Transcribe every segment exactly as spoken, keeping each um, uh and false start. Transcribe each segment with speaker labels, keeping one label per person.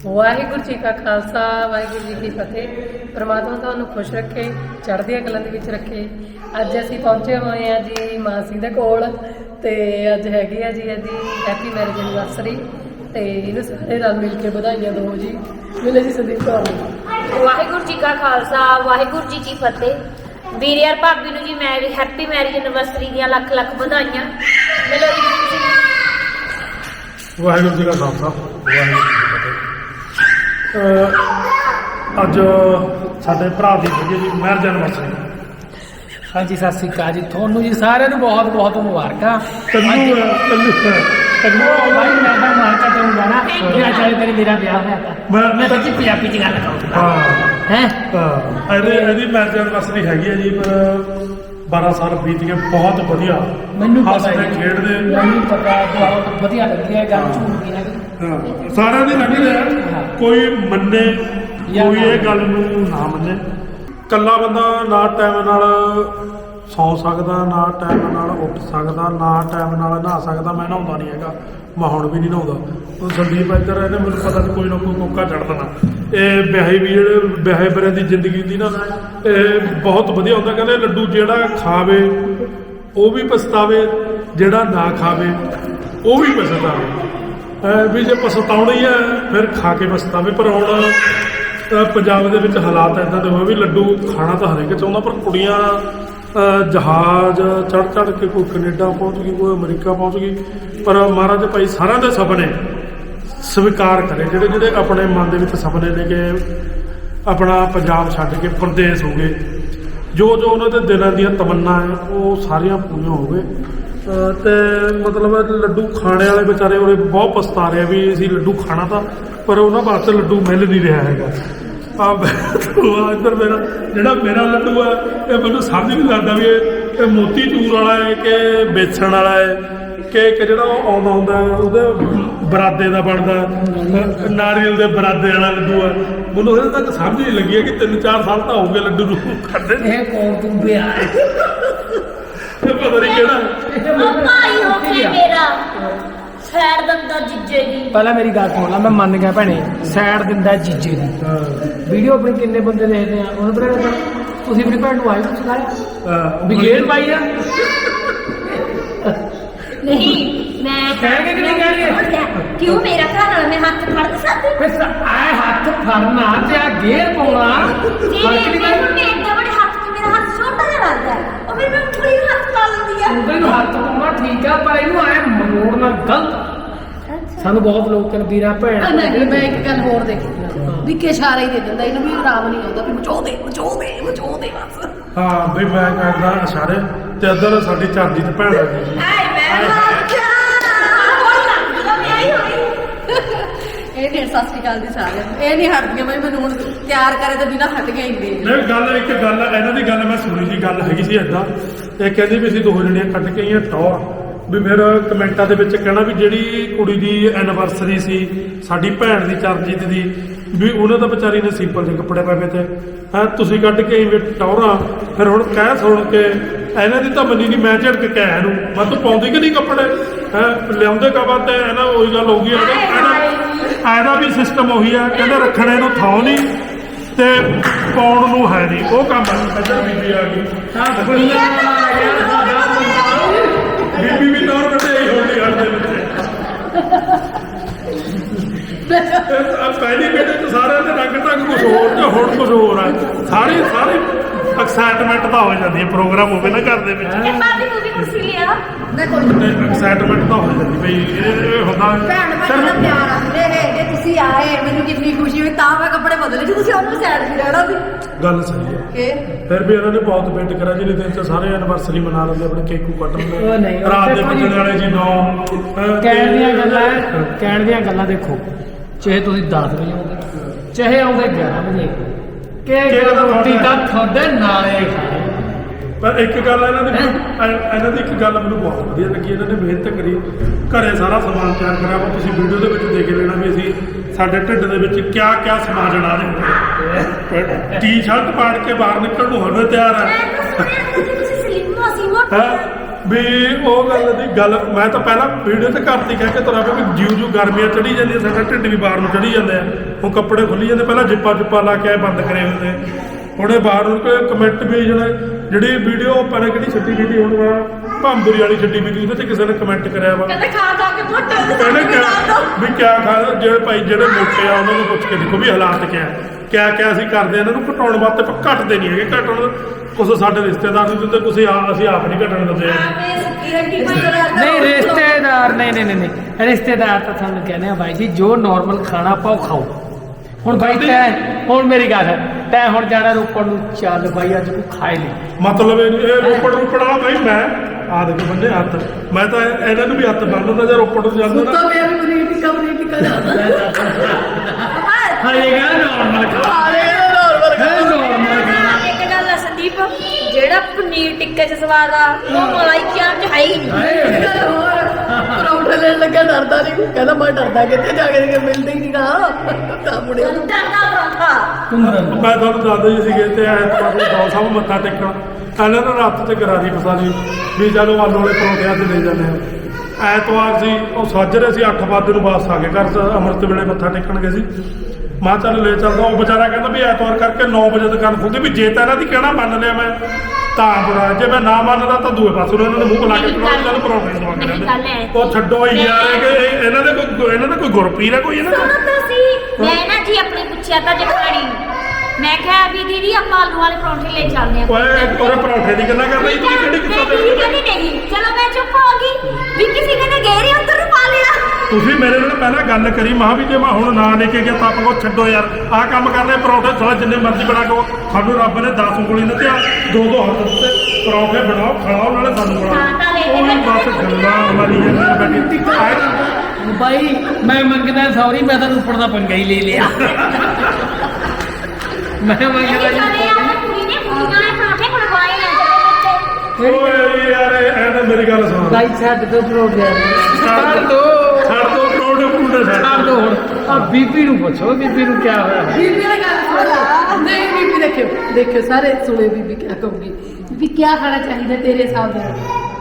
Speaker 1: ਵਾਹਿਗੁਰੂ ਜੀ ਕਾ ਖਾਲਸਾ ਵਾਹਿਗੁਰੂ ਜੀ ਕੀ ਫਤਿਹ। ਪ੍ਰਮਾਤਮਾ ਤੁਹਾਨੂੰ ਖੁਸ਼ ਰੱਖੇ, ਚੜ੍ਹਦੀਆਂ ਕਲਾਂ ਦੇ ਵਿੱਚ ਰੱਖੇ। ਅੱਜ ਅਸੀਂ ਪਹੁੰਚੇ ਹੋਏ ਹਾਂ ਜੀ ਮਾਸੀ ਦੇ ਕੋਲ, ਤੇ ਅੱਜ ਹੈਗੀ ਆ ਜੀ ਇਹਦੀ ਹੈਪੀ ਮੈਰਿਜ ਐਨਵਰਸਰੀ, ਤੇ ਇਹਨੂੰ ਸਾਰੇ ਰਲ ਮਿਲ ਕੇ ਵਧਾਈਆਂ ਦਿਓ ਜੀ। ਮਿਲੇ ਜੀ ਸੰਦੀਪ ਕੌਰ ਨੂੰ।
Speaker 2: ਵਾਹਿਗੁਰੂ ਜੀ ਕਾ ਖਾਲਸਾ ਵਾਹਿਗੁਰੂ ਜੀ ਕੀ ਫਤਿਹ। ਵੀਰ ਯਾਰ ਭਾਬੀ ਨੂੰ ਜੀ ਮੈਂ ਵੀ ਹੈਪੀ ਮੈਰਿਜ ਐਨਵਰਸਰੀ ਦੀਆਂ ਲੱਖ ਲੱਖ ਵਧਾਈਆਂ। ਮਿਲੋ ਜੀ ਤੁਸੀਂ।
Speaker 3: ਵਾਹਿਗੁਰੂ ਜੀ ਕਾ ਖਾਲਸਾ ਵਾਹਿਗੁਰੂ ਜੀ ਕੀ ਫਤਿਹ। ਅੱਜ ਸਾਡੇ ਭਰਾ ਦੀ ਹੈਗੀ ਜੀ ਮੈਰਿਜ ਐਨਵਰਸਰੀ।
Speaker 4: ਹਾਂਜੀ ਸਤਿ ਸ਼੍ਰੀ ਅਕਾਲ ਜੀ ਤੁਹਾਨੂੰ ਜੀ ਸਾਰਿਆਂ ਨੂੰ ਬਹੁਤ ਬਹੁਤ ਮੁਬਾਰਕਾਂ।
Speaker 3: ਤੈਨੂੰ ਤੈਨੂੰ ਤੈਨੂੰ
Speaker 4: ਭਾਈ ਮੈਂ ਤਾਂ ਮੁਬਾਰਕਾਂ ਦਊਂਗਾ ਨਾ ਕਿ ਅੱਜ ਵਾਲੇ ਤੇਰੇ ਮੇਰਾ ਵਿਆਹ ਹੋਇਆ ਤਾਂ
Speaker 3: ਮੈਂ-
Speaker 4: ਮੈਂ ਤਾਂ ਜੀ ਪੰਜਾਬੀ ਚ ਗੱਲ ਕਰਾਂਗਾ।
Speaker 3: ਹਾਂ
Speaker 4: ਹੈ
Speaker 3: ਹਾਂ ਇਹਦੀ ਇਹਦੀ ਮੈਰਿਜ ਐਨਵਰਸਰੀ ਹੈਗੀ ਹੈ ਜੀ, ਪਰ ਬਾਰਾਂ ਸਾਲ ਬੀਤ ਗਏ। ਬਹੁਤ ਵਧੀਆ
Speaker 4: ਮੈਨੂੰ ਪਤਾ
Speaker 3: ਹੱਸਦੇ
Speaker 4: ਹੈ।
Speaker 3: ਖੇਡਦੇ
Speaker 4: ਮੈਨੂੰ ਪਤਾ ਬਹੁਤ ਵਧੀਆ ਲੱਗੀ ਹੈ ਗੱਲ ਝੂਠ ਨਹੀਂ ਹੈਗੀ।
Speaker 3: ਹਾਂ, ਸਾਰਿਆਂ ਦੀ ਲੱਗ ਰਿਹਾ। ਕੋਈ ਮੰਨੇ ਕੋਈ ਇਹ ਗੱਲ ਨੂੰ ਨਾ ਮੰਨੇ। ਇਕੱਲਾ ਬੰਦਾ ਨਾ ਟਾਈਮ ਨਾਲ ਸੌਂ ਸਕਦਾ, ਨਾ ਟਾਈਮ ਨਾਲ ਉੱਠ ਸਕਦਾ, ਨਾ ਟਾਈਮ ਨਾਲ ਨਹਾ ਸਕਦਾ। ਮੈਂ ਨਹਾਉਂਦਾ ਨਹੀਂ ਹੈਗਾ, ਮੈਂ ਹੁਣ ਵੀ ਨਹੀਂ ਨਹਾਉਂਦਾ। ਉਹ ਸੰਦੀਪ ਇੱਧਰ ਇਹਨੇ ਮੈਨੂੰ ਪਤਾ ਨਹੀਂ ਕੋਈ ਨਾ ਕੋਈ ਮੌਕਾ ਛੱਡ ਦੇਣਾ। ਇਹ ਵਿਆਹੀ ਵੀ ਜਿਹੜੇ ਵਿਆਹੇ ਬਰਿਆਂ ਦੀ ਜ਼ਿੰਦਗੀ ਦੀ ਨਾ ਇਹ ਬਹੁਤ ਵਧੀਆ ਹੁੰਦਾ। ਕਹਿੰਦੇ ਲੱਡੂ ਜਿਹੜਾ ਖਾਵੇ ਉਹ ਵੀ ਪਛਤਾਵੇ, ਜਿਹੜਾ ਨਾ ਖਾਵੇ ਉਹ ਵੀ ਪਛਤਾਵੇ। ਵੀ ਜੇ ਪਛਤਾਉਣੀ ਹੈ ਫਿਰ ਖਾ ਕੇ ਪਛਤਾਵੇ। ਪਰ ਹੁਣ ਪੰਜਾਬ ਦੇ ਵਿੱਚ ਹਾਲਾਤ ਇੱਦਾਂ ਦੇ ਹੋਏ ਵੀ ਲੱਡੂ ਖਾਣਾ ਤਾਂ ਹਰੇਕ ਚਾਹੁੰਦਾ, ਪਰ ਕੁੜੀਆਂ ਜਹਾਜ਼ ਚੜ੍ਹ ਚੜ੍ਹ ਕੇ ਕੋਈ ਕੈਨੇਡਾ ਪਹੁੰਚ ਗਈ, ਕੋਈ ਅਮਰੀਕਾ ਪਹੁੰਚ ਗਈ। ਪਰ ਮਹਾਰਾਜ ਭਾਈ ਸਾਰਿਆਂ ਦੇ ਸੁਪਨੇ ਸਵੀਕਾਰ ਕਰੇ, ਜਿਹੜੇ ਜਿਹੜੇ ਆਪਣੇ ਮਨ ਦੇ ਵਿੱਚ ਸੁਪਨੇ ਲੈ ਕੇ ਆਪਣਾ ਪੰਜਾਬ ਛੱਡ ਕੇ ਪ੍ਰਦੇਸ਼ ਹੋ ਗਏ। ਜੋ ਜੋ ਉਹਨਾਂ ਦੇ ਦਿਲਾਂ ਦੀਆਂ ਤਮੰਨਾ ਹੈ ਉਹ ਸਾਰੀਆਂ ਪੂਰੀਆਂ ਹੋ ਗਏ। ਤੇ ਮਤਲਬ ਲੱਡੂ ਖਾਣੇ ਵਾਲੇ ਵਿਚਾਰੇ ਉਹਦੇ ਬਹੁਤ ਪਛਤਾ ਰਹੇ ਵੀ ਅਸੀਂ ਲੱਡੂ ਖਾਣਾ ਤਾਂ, ਪਰ ਉਹਨਾਂ ਵਾਸਤੇ ਲੱਡੂ ਮਿਲ ਨਹੀਂ ਰਿਹਾ ਹੈਗਾ। ਆ ਇੱਧਰ ਮੇਰਾ ਜਿਹੜਾ ਮੇਰਾ ਲੱਡੂ ਹੈ ਇਹ ਮੈਨੂੰ ਸਮਝ ਨਹੀਂ ਲੱਗਦਾ ਵੀ ਇਹ ਇਹ ਮੋਤੀ ਚੂਰ ਵਾਲਾ ਹੈ ਕਿ ਵੇਚਣ ਵਾਲਾ ਹੈ ਕਿ ਇੱਕ ਜਿਹੜਾ ਉਹ ਆਉਂਦਾ ਹੁੰਦਾ ਉਹਦੇ ਬਰਾਦੇ ਦਾ ਬਣਦਾ ਨਾਰੀਅਲ ਦੇ ਬਰਾਦੇ ਵਾਲਾ ਲੱਡੂ ਹੈ। ਮੈਨੂੰ ਹਜੇ ਤੱਕ ਸਮਝ ਨਹੀਂ ਲੱਗੀ ਹੈ ਕਿ ਤਿੰਨ ਚਾਰ ਸਾਲ ਤਾਂ ਹੋ ਗਏ ਲੱਡੂ ਨੂੰ ਖਾਂਦੇ।
Speaker 4: ਇਹ ਕੌਣ ਤੂੰ ਵਿਆਹ ਹੈ?
Speaker 3: ਇਹ ਪਤਾ ਨਹੀਂ ਕਿਹੜਾ
Speaker 2: ਉਹ ਭਾਈ ਹੋ ਕੇ ਮੇਰਾ ਸੈਰ ਦੰਦਾ ਜੀਜੇ ਦੀ।
Speaker 4: ਪਹਿਲਾਂ ਮੇਰੀ ਗੱਲ ਸੁਣ ਲਾ, ਮੈਂ ਮੰਨ ਗਿਆ ਭੈਣੇ ਸਾਈਡ ਦਿੰਦਾ ਜੀਜੇ ਦੀ। ਵੀਡੀਓ ਆਪਣੀ ਕਿੰਨੇ ਬੰਦੇ ਦੇਖਦੇ ਆ ਉਹਨਾਂ ਪਰ ਤੁਸੀਂ ਆਪਣੀ ਭੈਣ ਨੂੰ ਆਏ ਕੁਛ ਸਿਖਾਇਆ ਵੀ ਗੇਰ ਪਾਈ ਆ?
Speaker 2: ਨਹੀਂ ਮੈਂ
Speaker 4: ਕਹਿਣਗੇ ਕਿ ਨਹੀਂ ਕਹਿਣਗੇ?
Speaker 2: ਕਿਉਂ ਮੇਰਾ ਘਰ ਵਾਲਾ ਮੈਂ ਹੱਥ ਫੜ ਸਕਦੀ?
Speaker 4: ਫਿਰ ਆਏ ਹੱਥ ਫੜਨਾ ਤੇ ਆ ਗੇਰ ਪਾਉਣਾ
Speaker 2: ਜੀ
Speaker 4: ਫਰਕ ਨਹੀਂ
Speaker 2: ਮੈਨੂੰ
Speaker 4: ਪੈਂਦਾ।
Speaker 2: ਮੇਰੇ ਬੜੇ ਹੱਥ ਚ ਮੇਰਾ ਹੱਥ ਛੋਟਾ ਜਿਹਾ ਲੱਗਦਾ ਹੈ, ਉਹ ਮੇਰੇ ਨਾਲ ਥੋੜੀ ਹੱਥ ਪਾ ਲੈਂਦੀ ਆ।
Speaker 4: ਉਹਦੇ ਨੂੰ ਹੱਥ ਪਾਉਣਾ ਠੀਕ ਆ, ਪਰ ਇਹਨੂੰ ਆਏ ਮੋੜਨਾ ਗਲਤ ਆ। ਸਾਨੂੰ ਬਹੁਤ ਲੋਕ ਕਹਿੰਦੇ ਵੀਰਾ ਭੈਣ
Speaker 1: ਨਹੀਂ, ਮੈਂ ਇੱਕ ਗੱਲ ਹੋਰ ਦੇਖੀ ਵੀ ਕਿ ਇਸ਼ਾਰਾ ਹੀ ਦੇ ਦਿੰਦਾ, ਇਹਨੂੰ ਵੀ ਆਰਾਮ ਨਹੀਂ ਆਉਂਦਾ ਵੀ ਮਚੋ ਦੇ ਮਚੋ ਦੇ ਮਚੋ ਦੇ ਬਸ।
Speaker 3: ਹਾਂ ਬਈ ਮੈਂ ਕਰਦਾ ਇਸ਼ਾਰੇ ਤੇ ਇੱਧਰ ਸਾਡੀ ਚਾਚੀ ਤੇ ਭੈਣ ਆ ਜੀ।
Speaker 2: ਹਾਏ ਮੈਂ ਮਰ ਜਾ ਹੋਰ ਲੱਗਦਾ ਮੈਂ ਆਈ ਹੋਈ।
Speaker 1: ਇਹ ਢੇਰ ਸਤਿ ਸ਼੍ਰੀ ਅਕਾਲ ਦੀ ਸਾਰਿਆਂ ਨੂੰ। ਇਹ ਨਹੀਂ ਹਟਦੀਆਂ ਬਈ ਮੈਨੂੰ ਹੁਣ ਤਿਆਰ ਕਰੇ ਤੇ ਬਿਨਾਂ ਹਟੀਆਂ ਹੀ ਦੇ।
Speaker 3: ਨਹੀਂ ਗੱਲ ਇੱਕ ਗੱਲ ਇਹਨਾਂ ਦੀ ਗੱਲ ਮੈਂ ਸੁਣੀ ਸੀ, ਗੱਲ ਹੈਗੀ ਸੀ ਏਦਾਂ। ਇਹ ਕਹਿੰਦੀ ਵੀ ਅਸੀਂ ਦੋ ਜਣੀਆਂ ਕੱਢ ਕੇ ਆਈਆਂ ਟੌਰ, ਵੀ ਫਿਰ ਕਮੈਂਟਾਂ ਦੇ ਵਿੱਚ ਕਹਿਣਾ ਵੀ ਜਿਹੜੀ ਕੁੜੀ ਦੀ ਐਨਵਰਸਰੀ ਸੀ ਸਾਡੀ ਭੈਣ ਦੀ ਚਰਨਜੀਤ ਦੀ, ਵੀ ਉਹਨਾਂ ਦਾ ਵਿਚਾਰੀ ਨੇ ਸਿੰਪਲ ਜਿਹੇ ਕੱਪੜੇ ਪਾਏ ਤੇ ਹੈ ਤੁਸੀਂ ਕੱਢ ਕੇ ਆਈ ਵੀ ਟੌਰਾਂ। ਫਿਰ ਹੁਣ ਕਹਿ ਸੁਣ ਕੇ ਇਹਨਾਂ ਦੀ ਤਾਂ ਮੰਨੀ ਨਹੀਂ, ਮੈਂ ਝੜਕ ਕੇ ਆਇਆ ਇਹਨੂੰ ਮੈਂ ਤੂੰ ਪਾਉਂਦੀ ਕਿ ਨਹੀਂ ਕੱਪੜੇ ਹੈ ਲਿਆਉਂਦੇ ਕਵਾ ਤੇ ਇਹਨਾਂ ਉਹੀ ਗੱਲ ਹੋ ਗਈ। ਇਹਦਾ ਇਹਦਾ ਵੀ ਸਿਸਟਮ ਉਹੀ ਆ, ਕਹਿੰਦੇ ਰੱਖਣੇ ਨੂੰ ਥਾਂ ਨਹੀਂ ਤੇ ਪਾਉਣ ਨੂੰ ਹੈ ਨਹੀਂ, ਉਹ ਕੰਮ ਇੱਧਰ ਬੀਬੀ ਆ ਗਈ। ਬੀਬੀ ਵੀ ਟੌਰ ਕੱਢੇ ਹੀ ਹੋਣੀ ਗੱਲ ਦੇ ਵਿੱਚ। ਪਹਿਲੀ ਬੇਟੇ ਚ ਸਾਰਿਆਂ ਦੇ ਰੰਗ ਢੰਗ ਕੁਝ ਹੋਰ ਤੇ ਹੁਣ ਕੁਝ ਹੋਰ ਆ। ਸਾਰੀ ਸਾਰੀ ਐਕਸਾਈਟਮੈਂਟ ਤਾਂ ਹੋ ਜਾਂਦੀ ਹੈ ਪ੍ਰੋਗਰਾਮ ਹੋਵੇ ਨਾ ਘਰ ਦੇ ਵਿੱਚ।
Speaker 2: ਇਹ ਭਾਬੀ ਤੂੰ ਵੀ ਕੁਰਸੀ ਲਿਆ।
Speaker 1: ਮੈਂ ਕੋਈ
Speaker 3: ਐਕਸਾਈਟਮੈਂਟ ਤਾਂ ਹੋ ਜਾਂਦੀ ਬਈ ਇਹ ਹੁੰਦਾ
Speaker 1: ਭੈਣ ਭਾਈ ਦਾ ਪਿਆਰ ਆ ਮੇਰੇ। ਜੇ ਤੁਸੀਂ ਆਏ ਮੈਨੂੰ ਕਿੰਨੀ ਖੁਸ਼ੀ ਹੋਈ, ਤਾਂ ਮੈਂ ਕੱਪੜੇ ਬਦਲੇ ਜੀ। ਤੁਸੀਂ ਉਹਨੂੰ ਸਾਈਡ ਵੀ ਰਹਿਣਾ ਸੀ।
Speaker 3: ਗੱਲ ਸਹੀ ਹੈ
Speaker 1: ਕਿ
Speaker 3: ਫਿਰ ਵੀ ਇਹਨਾਂ ਨੇ ਬਹੁਤ ਵੇਟ ਕਰਿਆ। ਜਿਹਨੇ ਦਿਨ ਚ ਸਾਰੇ ਐਨਵਰਸਰੀ ਮਨਾ ਲੈਂਦੇ, ਆਪਣੇ ਕੇਕੂ ਕੱਟ
Speaker 4: ਉਹ
Speaker 3: ਲੈਂਦੇ
Speaker 4: ਨਹੀਂ, ਉਹ
Speaker 3: ਰਾਤ ਦੇ
Speaker 4: ਦੇਖੋ ਜੀ,
Speaker 3: ਵੱਜਣ ਵਾਲੇ ਜੀ ਨੌ
Speaker 4: ਕਹਿਣ ਦੀਆਂ ਗੱਲਾਂ ਕਹਿਣ ਦੀਆਂ ਗੱਲਾਂ ਦੇਖੋ, ਚਾਹੇ ਤੁਸੀਂ ਦਸ ਵਜੇ ਆਉਂਦੇ ਚਾਹੇ ਆਉਂਦੇ ਗਿਆਰਾਂ ਵਜੇ ਕਿ ਰੋਟੀ ਤਾਂ ਤੁਹਾਡੇ ਨਾਲੇ ਖਾਣੀ।
Speaker 3: ਪਰ ਇੱਕ ਗੱਲ ਇਹਨਾਂ ਦੀ ਇਹਨਾਂ ਦੀ ਇੱਕ ਗੱਲ ਮੈਨੂੰ ਬਹੁਤ ਵਧੀਆ ਲੱਗੀ। ਇਹਨਾਂ ਨੇ ਮਿਹਨਤ ਕਰੀ, ਘਰੇ ਸਾਰਾ ਸਮਾਨ ਤਿਆਰ ਕਰਿਆ ਵਾ। ਤੁਸੀਂ ਵੀਡੀਓ ਦੇ ਵਿੱਚ ਦੇਖ ਲੈਣਾ ਵੀ ਅਸੀਂ ਸਾਡੇ ਢਿੱਡ ਦੇ ਵਿੱਚ ਕਿਆ ਕਿਆ ਸਮਾਨ ਜਣਾ ਰਹੇ। ਟੀ ਸ਼ਰਟ ਪਾੜ ਕੇ ਬਾਹਰ ਨਿਕਲਣ ਨੂੰ ਹੁਣ ਤਿਆਰ ਹੈ।
Speaker 2: ਮੈਂ ਤਾਂ ਸੁਣਿਆ ਤੁਸੀਂ ਸਲਿਮ ਹੋ ਸੀ ਮੋਟੇ।
Speaker 3: ਵੀ ਉਹ ਗੱਲ ਦੀ ਗੱਲ ਮੈਂ ਤਾਂ ਪਹਿਲਾਂ ਵੀਡੀਓ ਤੇ ਕਰਤੀ ਕਹਿ ਕੇ ਤੁਰਾ ਪਿਆ ਵੀ ਜਿਉਂ ਜਿਉਂ ਗਰਮੀਆਂ ਚੜੀ ਜਾਂਦੀਆਂ ਸਾਡਾ ਢਿੱਡ ਵੀ ਬਾਹਰ ਨੂੰ ਚੜੀ ਜਾਂਦੇ ਆ ਹੁਣ ਕੱਪੜੇ ਖੁੱਲੀ ਜਾਂਦੇ ਪਹਿਲਾਂ ਜਿੱਪਾ ਜੁੱਪਾ ਲਾ ਕੇ ਆਏ ਬੰਦ ਕਰੇ ਹੁੰਦੇ ਹੁਣੇ ਬਾਹਰ ਨੂੰ ਕੋਈ ਕਮੈਂਟ ਵੀ ਜਿਹੜੇ ਜਿਹੜੀ ਵੀਡੀਓ ਪਹਿਲਾਂ ਕਿਹੜੀ ਛੱਡੀ ਗਈ ਸੀ ਹੁਣ ਮੈਂ ਭਾਂਬਰੀ ਵਾਲੀ ਛੱਡੀ ਵੀ ਉਹਦੇ 'ਚ ਕਿਸੇ ਨੇ ਕਮੈਂਟ ਕਰਿਆ ਵਾ
Speaker 2: ਕਹਿੰਦੇ ਖਾ ਖਾ ਕੇ ਮੋਟੇ
Speaker 3: ਕਹਿੰਦੇ ਕਿਆ ਵੀ ਕਿਆ ਖਾ ਜਿਹੜੇ ਭਾਈ ਜਿਹੜੇ ਮੋਟੇ ਆ ਉਹਨਾਂ ਨੂੰ ਪੁੱਛ ਕੇ ਦੇਖੋ ਵੀ ਹਾਲਾਤ ਕਿਆ ਕਿਆ ਕਿਆ ਅਸੀਂ ਕਰਦੇ ਇਹਨਾਂ ਨੂੰ ਘਟਾਉਣ ਵਾਸਤੇ ਪਰ ਘਟਦੇ ਨਹੀਂ ਹੈਗੇ ਘਟਣ ਕੁਛ ਸਾਡੇ ਰਿਸ਼ਤੇਦਾਰ ਨੂੰ ਦਿੰਦੇ ਕੁਛ ਆ ਅਸੀਂ ਆਪ ਨਹੀਂ ਘਟਣ ਦਿੰਦੇ
Speaker 2: ਆਵੇਂ ਸੁੱਕੀ ਰੰਡੀ ਪਾਈ
Speaker 4: ਨਹੀਂ ਰਿਸ਼ਤੇਦਾਰ ਨਹੀਂ ਨਹੀਂ ਨਹੀਂ ਨਹੀਂ ਰਿਸ਼ਤੇਦਾਰ ਤਾਂ ਤੁਹਾਨੂੰ ਕਹਿੰਦੇ ਆ ਬਾਈ ਜੀ ਜੋ ਨਾਰਮਲ ਖਾਣਾ ਪਾਓ ਖਾਓ ਹੁਣ ਬਾਈ ਤੈਂ ਹੁਣ ਮੇਰੀ ਗੱਲ ਹੈ ਤੈਂ ਹੁਣ ਜਾਣਾ ਰੋਪੜ ਨੂੰ ਚੱਲ ਬਾਈ ਅੱਜ ਕੋਈ ਖਾਏ ਨਹੀਂ
Speaker 3: ਮਤਲਬ ਇਹ ਇਹ ਰੋਪੜ ਰੋਪੜ ਵਾਲਾ ਬਾਈ ਮੈਂ ਆ ਦੇਖੋ ਬੰਦੇ ਹੱਥ ਮੈਂ ਤਾਂ ਇਹਨਾਂ ਨੂੰ ਵੀ ਹੱਥ ਬੰਨਦਾ ਜਾਂ ਰੋਪੜ ਨੂੰ ਜਾਂਦਾ
Speaker 1: ਤਾਂ ਮੇਰਾ ਪਨੀਰ ਟਿੱਕਾ ਪਨੀਰ ਟਿੱਕਾ ਜਾਂਦਾ
Speaker 4: ਖਾਏਗਾ ਨਾਰਮਲ ਖਾ
Speaker 1: ਆਲੇ ਨੋਰਮਲ
Speaker 4: ਨਾਰਮਲ ਖਾਣਾ
Speaker 2: ਇੱਕ ਗੱਲ ਆ ਸੰਦੀਪ ਜਿਹੜਾ ਪਨੀਰ ਟਿੱਕੇ ਚ ਸਵਾਦ ਆ ਉਹ ਮਲਾਈ ਚਾਪ ਚ ਹੈ ਹੀ ਨਹੀਂ
Speaker 1: ਪਰੌਂਠੇ ਲੈਣ ਲੱਗਾ ਡਰਦਾ ਨਹੀਂ ਕਹਿੰਦਾ ਮੈਂ ਡਰਦਾ ਕਿੱਥੇ ਜਾ ਕੇ ਮਿਲਦੇ ਹੀ ਨਹੀਂ ਗਾ ਤਾਂ ਮੁੜਿਆ
Speaker 2: ਡਰਦਾ ਪਰੌਂਠਾ
Speaker 3: ਮੈਂ ਤੁਹਾਨੂੰ ਦੱਸਦਾ ਜੀ ਸੀਗੇ ਤੇ ਐਤਵਾਰ ਨੂੰ ਦੌ ਸਾਹਿਬ ਮੱਥਾ ਟੇਕਣ ਇਹਨਾਂ ਨੇ ਰਾਤ ਤੇ ਗਰਾਰੀ ਫਸਾ ਲਈ ਵੀ ਚਲੋ ਆਲੂ ਵਾਲੇ ਪਰੌਂਠੇ ਅੱਜ ਲੈ ਜਾਂਦੇ ਆ ਐਤਵਾਰ ਸੀ ਉਹ ਸਾਜਰੇ ਸੀ ਅੱਠ ਵਜੇ ਨੂੰ ਵਾਪਸ ਆ ਗਏ ਘਰ ਅੰਮ੍ਰਿਤ ਵੇਲੇ ਮੱਥਾ ਟੇਕਣ ਗਏ ਸੀ ਮਾਂ ਚੱਲ ਲੈ ਚੱਲਦਾ ਉਹ ਵਿਚਾਰਾ ਕਹਿੰਦਾ ਵੀ ਐਤਵਾਰ ਕਰਕੇ ਨੌ ਵਜੇ ਦੁਕਾਨ ਖੁੱਲਦੀ ਵੀ ਜੇ ਤਾਂ ਇਹਨਾਂ ਦੀ ਕਹਿਣਾ ਮੰਨ ਲਿਆ ਮੈਂ ਤਾਂ ਬੁਰਾ ਜੇ ਮੈਂ ਨਾ ਮੰਨਦਾ ਤਾਂ ਦੂਏ ਪਾਸੇ ਨੂੰ ਇਹਨਾਂ ਦੇ ਮੂੰਹ ਲਾ ਕੇ ਚੱਲ ਪਰੌਂਠੇ ਦਵਾ ਕੇ ਰਹਿੰਦੇ ਉਹ ਛੱਡੋ ਯਾਰ ਕਿ ਇਹ- ਇਹਨਾਂ ਦੇ ਕੋਈ ਇਹਨਾਂ ਦਾ ਕੋਈ ਗੁਰਪੀਰ ਹੈ ਕੋਈ ਇਹਨਾਂ ਦਾ
Speaker 2: ਸੁਣੋ ਤੁਸੀਂ ਮੈਂ ਨਾ ਜੀ ਆਪਣੀ ਪੁੱਛਿਆ ਤਾਂ ਜਖਾਣੀ ਮੈਂ ਕਿਹਾ ਵੀ ਦੀਦੀ ਆਪਾਂ ਆਲੂ ਵਾਲੇ ਪਰੌਂਠੇ ਲੈ ਚੱਲਦੇ ਆ
Speaker 3: ਓਏ ਉਹਦੇ ਪਰੌਂਠੇ ਦੀ ਗੱਲਾਂ ਕਰ ਰਹੀ ਤੁਸੀਂ ਕਿਹੜੀ
Speaker 2: ਮੈਂ
Speaker 3: ਕਿੱਥੇ
Speaker 2: ਦੀਦੀ ਕਹਿੰਦੀ ਨਹੀਂ ਚਲੋ ਮੈਂ ਚੁੱਪ ਹੋ ਗਈ ਵੀ ਕਿਸੇ ਨੇ ਗੇਰੇ ਉੱਧਰ ਨੂੰ ਪਾ ਲੈਣਾ
Speaker 3: ਤੁਸੀਂ ਮੇਰੇ ਨਾਲ ਪਹਿਲਾਂ ਗੱਲ ਕਰੀ ਮਾਂ ਵੀ ਜੇ ਮੈਂ ਹੁਣ ਨਾ ਲੈ ਕੇ ਗਿਆ ਤਾਂ ਆਪਾਂ ਕੋ ਛੱਡੋ ਯਾਰ ਆਹ ਕੰਮ ਕਰਨੇ ਪਰੌਂਠੇ ਸਾਲਾ ਜਿੰਨੇ ਮਰਜ਼ੀ ਬਣਾ ਕੇ ਸਾਨੂੰ ਰੱਬ ਨੇ ਦਸ ਉਂਗਲੀ ਦਿੱਤੇ ਆ ਦੋ ਦੋ ਹੱਥ ਦਿੱਤੇ ਪਰੌਂਠੇ ਬਣਾਓ ਖਾਓ ਨਾਲੇ ਸਾਨੂੰ
Speaker 2: ਹਾਂ, ਤਾਂ ਲੈ ਕੇ
Speaker 3: ਬਣਾਓ ਉਹ ਬਸ ਗੱਲਾਂ ਮਾਰੀ ਜਾਂਦੇ ਬੈਠੀ
Speaker 4: ਬਾਈ ਮੈਂ ਮੰਗਦਾ ਸੌਰੀ ਮੈਂ ਤਾਂ ਰੋਪੜ ਦਾ ਪੰਗਾ ਹੀ ਲੈ ਲਿਆ ਮੈਂ ਮੰਗਦਾ ਜੀ
Speaker 2: ਕੁੜੀ ਨੇ ਕੁੜੀਆਂ ਵਾਲੇ ਪਰੌਂਠੇ ਬਣਵਾਏ ਆ ਜਿਹੜੇ
Speaker 3: ਓਏ ਯਾਰ ਇਹ ਤਾਂ ਮੇਰੀ ਗੱਲ ਸੁਣ
Speaker 1: ਬਾਈ ਛੱਡ ਦੋ ਪ੍ਰੋਗਰਾਮ
Speaker 3: ਛੱਡ ਦੋ ਛੱਡ ਦੋ ਪਰੌਂਠੇ ਪਰੌਂਠੇ
Speaker 4: ਛੱਡ ਦੋ ਹੁਣ ਆ ਬੀਬੀ ਨੂੰ ਪੁੱਛੋ ਬੀਬੀ ਨੂੰ ਕੀ ਹੋਇਆ
Speaker 1: ਬੀਬੀ ਨੇ ਗੱਲ ਸੁਣੋ ਨਹੀਂ ਬੀਬੀ ਦੇਖਿਓ ਦੇਖਿਓ ਸਾਰੇ ਸੁਣੇ ਬੀਬੀ ਕਿਆ ਕਹੂਗੀ ਬੀਬੀ ਕਿਆ ਖਾਣਾ ਚਾਹੀਦਾ ਤੇਰੇ ਹਿਸਾਬ ਨਾਲ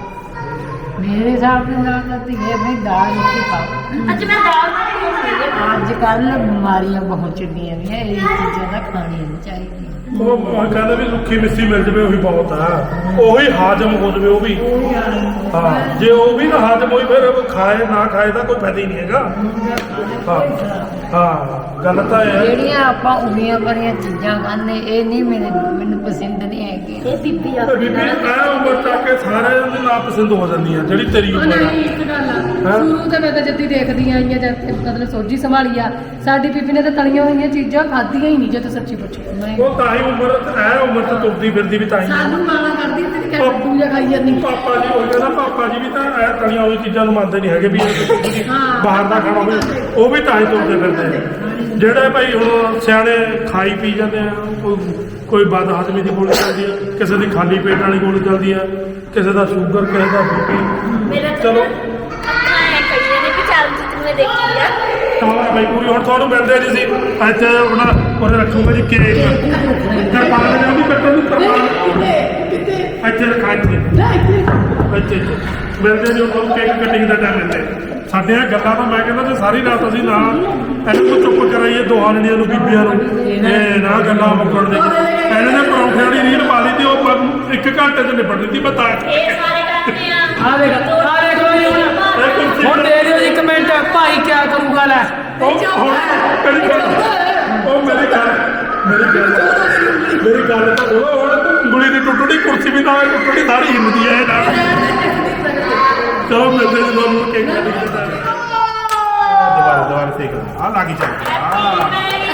Speaker 5: ਮੇਰੇ ਹਿਸਾਬ ਦੇ ਨਾਲ ਤਾਂ ਧੀਏ ਨਹੀਂ ਦਾਲ ਰੋਟੀ ਖਾਓ
Speaker 2: ਅੱਜ ਮੈਂ ਦਾਲ ਬਣਾਈ
Speaker 5: ਅੱਜ ਕੱਲ ਬਿਮਾਰੀਆਂ ਬਹੁਤ ਚੱਲੀਆਂ ਨੇ ਇਹ ਚੀਜ਼ਾਂ ਤਾਂ ਖਾਣੀਆਂ ਨਹੀਂ ਚਾਹੀਦੀਆਂ
Speaker 3: ਉਹ ਉਹ ਕਹਿੰਦੇ ਵੀ ਸੁੱਕੀ ਮਿੱਸੀ ਮਿਲ ਜਵੇ ਉਹੀ ਬਹੁਤ ਆ ਉਹੀ ਹਾਜ਼ਮ ਹੋ ਜਵੇ ਉਹ ਵੀ ਹਾਂ ਜੇ ਉਹ ਵੀ ਨਾ ਹਾਜ਼ਮ ਹੋਈ ਫਿਰ ਉਹ ਖਾਏ ਨਾ ਖਾਏ ਦਾ ਕੋਈ ਫਾਇਦਾ ਹੀ ਨਹੀਂ ਹੈਗਾ ਹਾਂ ਹਾਂ ਗੱਲ ਤਾਂ ਇਹ ਹੈ
Speaker 5: ਜਿਹੜੀਆਂ ਆਪਾਂ ਉਮੀਆਂ ਭਰੀਆਂ ਚੀਜ਼ਾਂ ਖਾਂਦੇ ਇਹ ਨਹੀਂ ਮੈਨੂੰ ਮੈਨੂੰ ਪਸੰਦ ਨਹੀਂ ਹੈਗੀ
Speaker 2: ਇਹ ਬੀਬੀ
Speaker 3: ਤੇ ਬੀਬੀ ਐ ਉਮਰ ਤੱਕ ਕੇ ਸਾਰੇ ਦੇ ਨਾ ਪਸੰਦ ਹੋ ਜਾਂਦੀ ਆ ਜਿਹੜੀ ਤੇਰੀ
Speaker 1: ਉਹ
Speaker 3: ਉਮਰ ਆ
Speaker 1: ਨਹੀਂ ਇੱਕ ਗੱਲ ਆ ਸ਼ੁਰੂ ਤੋਂ ਮੈਂ ਤਾਂ ਜੱਦੀ ਦੇਖਦੀ ਆਈ ਆ ਜਦ ਤੇ ਮਤਲਬ ਸੋਝੀ ਸੰਭਾਲੀ ਆ ਸਾਡੀ ਬੀਬੀ ਨੇ ਤਾਂ ਤਲੀਆਂ ਹੋਈਆਂ ਚੀਜ਼ਾਂ ਖਾਧੀਆਂ ਹੀ ਨਹੀਂ ਜੇ ਤੂੰ ਸੱਚੀ ਪੁੱਛੇ
Speaker 3: ਉਹ ਤਾਂ ਹੀ ਉਮਰ ਐ ਉਮਰ ਤੇ ਤੁਰਦੀ ਫਿਰਦੀ ਵੀ ਤਾਂ ਹੀ ਆ।
Speaker 1: ਸਾਨੂੰ ਮਾਣਾ ਕਰਦੀ ਤੇ ਕਿ ਕੱਟੂ ਜਾਂ ਖਾਈ ਜਾਂਦੀ
Speaker 3: ਪਾਪਾ ਜੀ ਉਹ ਕਹਿੰਦਾ ਪਾਪਾ ਜੀ ਵੀ ਤਾਂ ਐ ਤਲੀਆਂ ਹੋਈ ਚੀਜ਼ਾਂ ਨੂੰ ਮੰਨਦੇ ਨਹੀਂ ਹੈਗੇ ਵੀ ਇਹ ਬਾਹਰ ਦਾ ਖਾਣਾ ਹੋਵੇ ਉਹ ਵੀ ਤਾਂ ਹੀ ਤੁਰਦੇ ਫਿਰਦੇ ਆ। ਜਿਹੜੇ ਭਾਈ ਹੁਣ ਸਿਆਣੇ ਖਾਈ ਪੀ ਜਾਂਦੇ ਆ ਕੋਈ ਕੋਈ ਬਦ ਹਜ਼ਮੀ ਦੀ ਗੋਲੀ ਚੱਲਦੀ ਆ ਕਿਸੇ ਦੀ ਖਾਲੀ ਪੇਟ ਵਾਲੀ ਗੋਲੀ ਚੱਲਦੀ ਆ ਕਿਸੇ ਦਾ ਸ਼ੂਗਰ ਕਿਸੇ ਦਾ ਬੀਪੀ
Speaker 2: ਮੇਰਾ
Speaker 3: ਚਲੋ
Speaker 2: ਅੱਖਾਂ ਐ ਕਈਆਂ ਨੇ ਵੀ ਚੱਲ ਜਿੱਤ ਮੈਂ ਦੇਖੀ ਆ
Speaker 3: ਤਾਂ ਭਾਈ ਪੂਰੀ ਹੁਣ ਤੁਹਾਨੂੰ ਮਿਲਦੇ ਜੀ ਸੀ ਇੱਥੇ ਆਪਣਾ ਉਹਨੇ ਰੱਖੂਗਾ ਜੀ ਕੇਕ ਕਿਰਪਾਨ ਦੇ ਨਾਲ ਵੀ ਕੱਟਣ ਨੂੰ ਕਿਰਪਾਨ
Speaker 1: ਕਿਤੇ
Speaker 3: ਇੱਥੇ ਰੱਖਾ ਇੱਥੇ ਇੱਥੇ ਇੱਥੇ ਮਿਲਦੇ ਜੀ ਤੁਹਾਨੂੰ ਕੇਕ ਕਟਿੰਗ ਦਾ ਟਾਈਮ ਮਿਲਦੇ ਸਾਡੇ ਇਹ ਗੱਲਾਂ ਤਾਂ ਮੈਂ ਕਹਿੰਦਾ ਜੇ ਸਾਰੀ ਰਾਤ ਅਸੀਂ ਨਾ ਇਹਨੂੰ ਕੋ ਚੁੱਪ ਕਰਾਈਏ ਦੋਹਾਂ ਜਣੀਆਂ ਨੂੰ ਬੀਬੀਆਂ ਨੂੰ ਇਹ ਨਾ ਗੱਲਾਂ ਮੁੱਕਣ ਦੇ ਇਹਨਾਂ ਨੇ ਪਰੌਂਠੇ ਵਾਲੀ ਰੀਲ ਪਾ ਲਈ ਤੇ ਉਹ ਪ- ਇੱਕ ਘੰਟੇ ਚ ਨਿਬੜ ਦਿੱਤੀ ਮੈਂ ਤਾਂ
Speaker 2: ਇਹ ਸਾਰੇ ਕਰਦੇ ਆ
Speaker 4: ਆ ਦੇਖ ਆ ਦੇਖ ਬਾਈ ਹੁਣ
Speaker 3: ਇਹ ਕੁਰਸੀ
Speaker 4: ਹੁਣ ਦੇ ਦਿਓ ਜੀ ਕਮੈਂਟ ਭਾਈ ਕੀ ਕਰੂਗਾ ਲੈ
Speaker 3: ਉਹ ਹੁਣ ਮੇਰੀ ਗੱਲ ਉਹ ਮੇਰੀ ਗੱਲ ਮੇਰੀ ਗੱਲ ਮੇਰੀ ਗੱਲ ਤਾਂ ਸੁਣੋ ਹੁਣ ਉਂਗਲੀ ਦੀ ਟੁੱਟਣੀ ਕੁਰਸੀ ਵੀ ਨਾ ਟੁੱਟਣੀ ਸਾਰੀ ਹਿੱਲਦੀ ਹੈ ਇਹ ਨਾਲ ਚਲੋ ਮਿਲਦੇ ਜੀ ਤੁਹਾਨੂੰ ਕੇਕ ਕਟਿੰਗ ਦਾ ਦੁਬਾਰਾ ਦੁਬਾਰਾ ਠੀਕ ਆ ਲਾਗੀ ਚੱਲ ਆ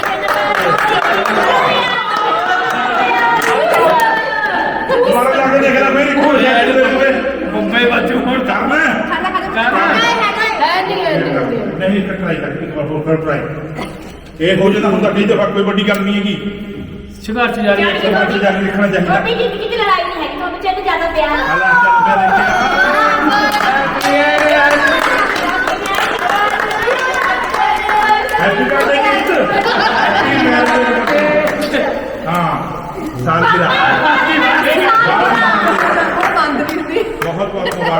Speaker 3: ਦੁਬਾਰਾ ਜਾ ਕੇ ਦੇਖ ਲੈ ਮੇਰੀ ਖੋਜ ਹੈ ਇਹਦੇ ਵਿੱਚ
Speaker 4: ਮੁੰਬਈ ਬਾਜੂ ਹੁਣ
Speaker 3: ਕਰਨਾ
Speaker 4: ਕਰਨਾ
Speaker 1: ਹੈ ਨਹੀਂ ਹੈ ਨਹੀਂ
Speaker 3: ਨਹੀਂ ਇੱਕ ਟਰਾਈ ਕਰ ਇੱਕ ਵਾਰ ਹੋਰ ਕਰ ਟਰਾਈ ਇਹ ਹੋ ਜਾਂਦਾ ਹੁੰਦਾ ਕਈ ਦਫਾ ਕੋਈ ਵੱਡੀ ਗੱਲ ਨਹੀਂ ਹੈਗੀ
Speaker 4: ਸੰਘਰਸ਼ ਜਾਰੀ
Speaker 3: ਇੱਕ ਵਾਰ ਜਾ ਕੇ ਦੇਖਣਾ ਚਾਹੀਦਾ
Speaker 2: ਛੋਟੀ ਜ਼ਿੰਦਗੀ ਦੀ ਲੜਾਈ ਨਹੀਂ ਹੈਗੀ ਤੁਹਾਨੂੰ ਚਾਹੀਦਾ ਜ਼ਿਆਦਾ ਪਿਆਰ
Speaker 3: ਹਾਲਾ ਚੱਲ ਪਿਆ ਦੇਖਿਆ happy birthday gift happy birthday ਹਾਂ ਸਾਲ ਦੀ ਰਾਤ
Speaker 1: ਬੰਦ ਕੀਤੀ
Speaker 3: ਬਹੁਤ ਬਹੁਤ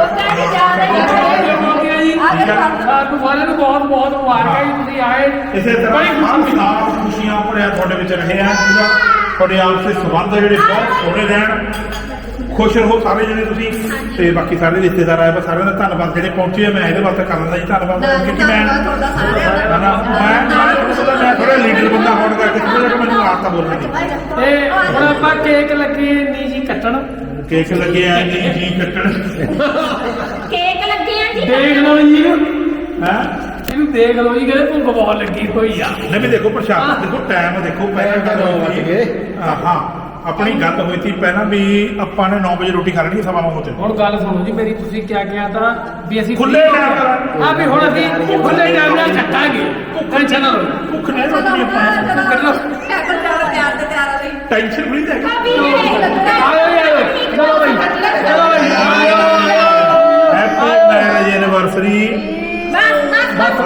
Speaker 4: ਸਾਰਿਆਂ ਨੂੰ ਬਹੁਤ ਬਹੁਤ ਮੁਬਾਰਕਾਂ ਜੀ ਤੁਸੀਂ ਆਏ
Speaker 6: ਇਸੇ ਤਰ੍ਹਾਂ
Speaker 4: ਬੜੀ
Speaker 6: ਹਰ
Speaker 4: ਖੁਸ਼ੀ
Speaker 6: ਸਾਲ ਖੁਸ਼ੀਆਂ ਭਰਿਆ ਤੁਹਾਡੇ ਵਿੱਚ ਰਹੇ ਆ ਜਿਹੜਾ ਤੁਹਾਡੇ ਆਪਸੇ ਸੰਬੰਧ ਜਿਹੜੇ ਬਹੁਤ ਸੋਹਣੇ ਰਹਿਣ ਖੁਸ਼ ਰਹੋ ਸਾਰੇ ਜਿਹੜੇ ਤੁਸੀਂ ਤੇ ਬਾਕੀ ਸਾਰੇ ਰਿਸ਼ਤੇਦਾਰ ਆਏ ਬਸ ਸਾਰਿਆਂ ਦਾ ਧੰਨਵਾਦ ਜਿਹੜੇ ਪਹੁੰਚੇ ਆ ਮੈਂ ਇਹਦੇ ਵਾਸਤੇ ਕਰਨ ਦਾ ਜੀ ਧੰਨਵਾਦ ਕਿਉਂਕਿ ਮੈਂ ਮੈਂ ਮੈਂ ਮੈਂ ਥੋੜਾ ਲੀਡਰ ਬੰਦਾ ਹੋਣ ਕਰਕੇ ਥੋੜਾ ਜਿਹਾ ਮੈਨੂੰ ਆਦਤ ਬੋਲਣ ਦੀ
Speaker 4: ਤੇ ਹੁਣ ਆਪਾਂ ਕੇਕ ਲੱਗੇ ਨਹੀਂ ਜੀ ਕੱਟਣ
Speaker 6: ਕੇਕ ਲੱਗੇ ਆ ਜੀ ਜੀ ਕੱਟਣ
Speaker 2: ਕੇਕ ਲੱਗੇ ਆ ਜੀ
Speaker 4: ਦੇਖ ਲਓ ਜੀ ਇਹਨੂੰ
Speaker 6: ਹੈ
Speaker 4: ਇਹਨੂੰ ਦੇਖ ਲਓ ਜੀ ਕਿਹੜੇ ਭੁੱਖ ਬਹੁਤ ਲੱਗੀ ਹੋਈ ਆ
Speaker 6: ਨਹੀਂ ਵੀ ਦੇਖੋ ਪ੍ਰਸ਼ਾਦ ਦੇਖੋ ਟਾਈਮ ਦੇਖੋ ਪਹਿਲਾਂ ਗੱਲ ਹੋਈ ਸੀ ਹਾਂ ਹਾਂ ਆਪਣੀ ਗੱਲ ਹੋਈ ਸੀ ਪਹਿਲਾਂ ਵੀ ਆਪਾਂ ਨੇ ਨੌ ਵਜੇ ਰੋਟੀ ਖਾ ਲੈਣੀ ਸਵਾ ਨੌ ਵਜੇ
Speaker 4: ਹੁਣ ਗੱਲ ਸੁਣੋ ਜੀ ਮੇਰੀ ਤੁਸੀਂ ਕਿਆ ਕਿਹਾ ਤਾਂ ਵੀ ਅਸੀਂ
Speaker 6: ਖੁੱਲੇ ਟਾਈਮ ਨਾਲ
Speaker 4: ਹਾਂ ਵੀ ਹੁਣ ਅਸੀਂ ਖੁੱਲੇ ਟਾਈਮ ਨਾਲ ਚੱਕਾਂਗੇ ਟੈਨਸ਼ਨ ਨਾ ਲਓ
Speaker 6: ਭੁੱਖ ਨਹੀਂ ਲੱਗਣੀ ਆਪਾਂ
Speaker 4: ਕਰ ਲਓ
Speaker 6: ਟੈਨਸ਼ਨ ਨਹੀਂ ਲੈ
Speaker 2: ਭਾਬੀ ਨੇ
Speaker 4: ਆਇਓ ਆਇਓ ਚਲੋ ਬਈ ਚਲੋ ਬਈ ਆਇਓ
Speaker 6: ਹੈਪੀ ਮੈਰਿਜ ਐਨਵਰਸਰੀ
Speaker 2: ਬਸ ਬਸ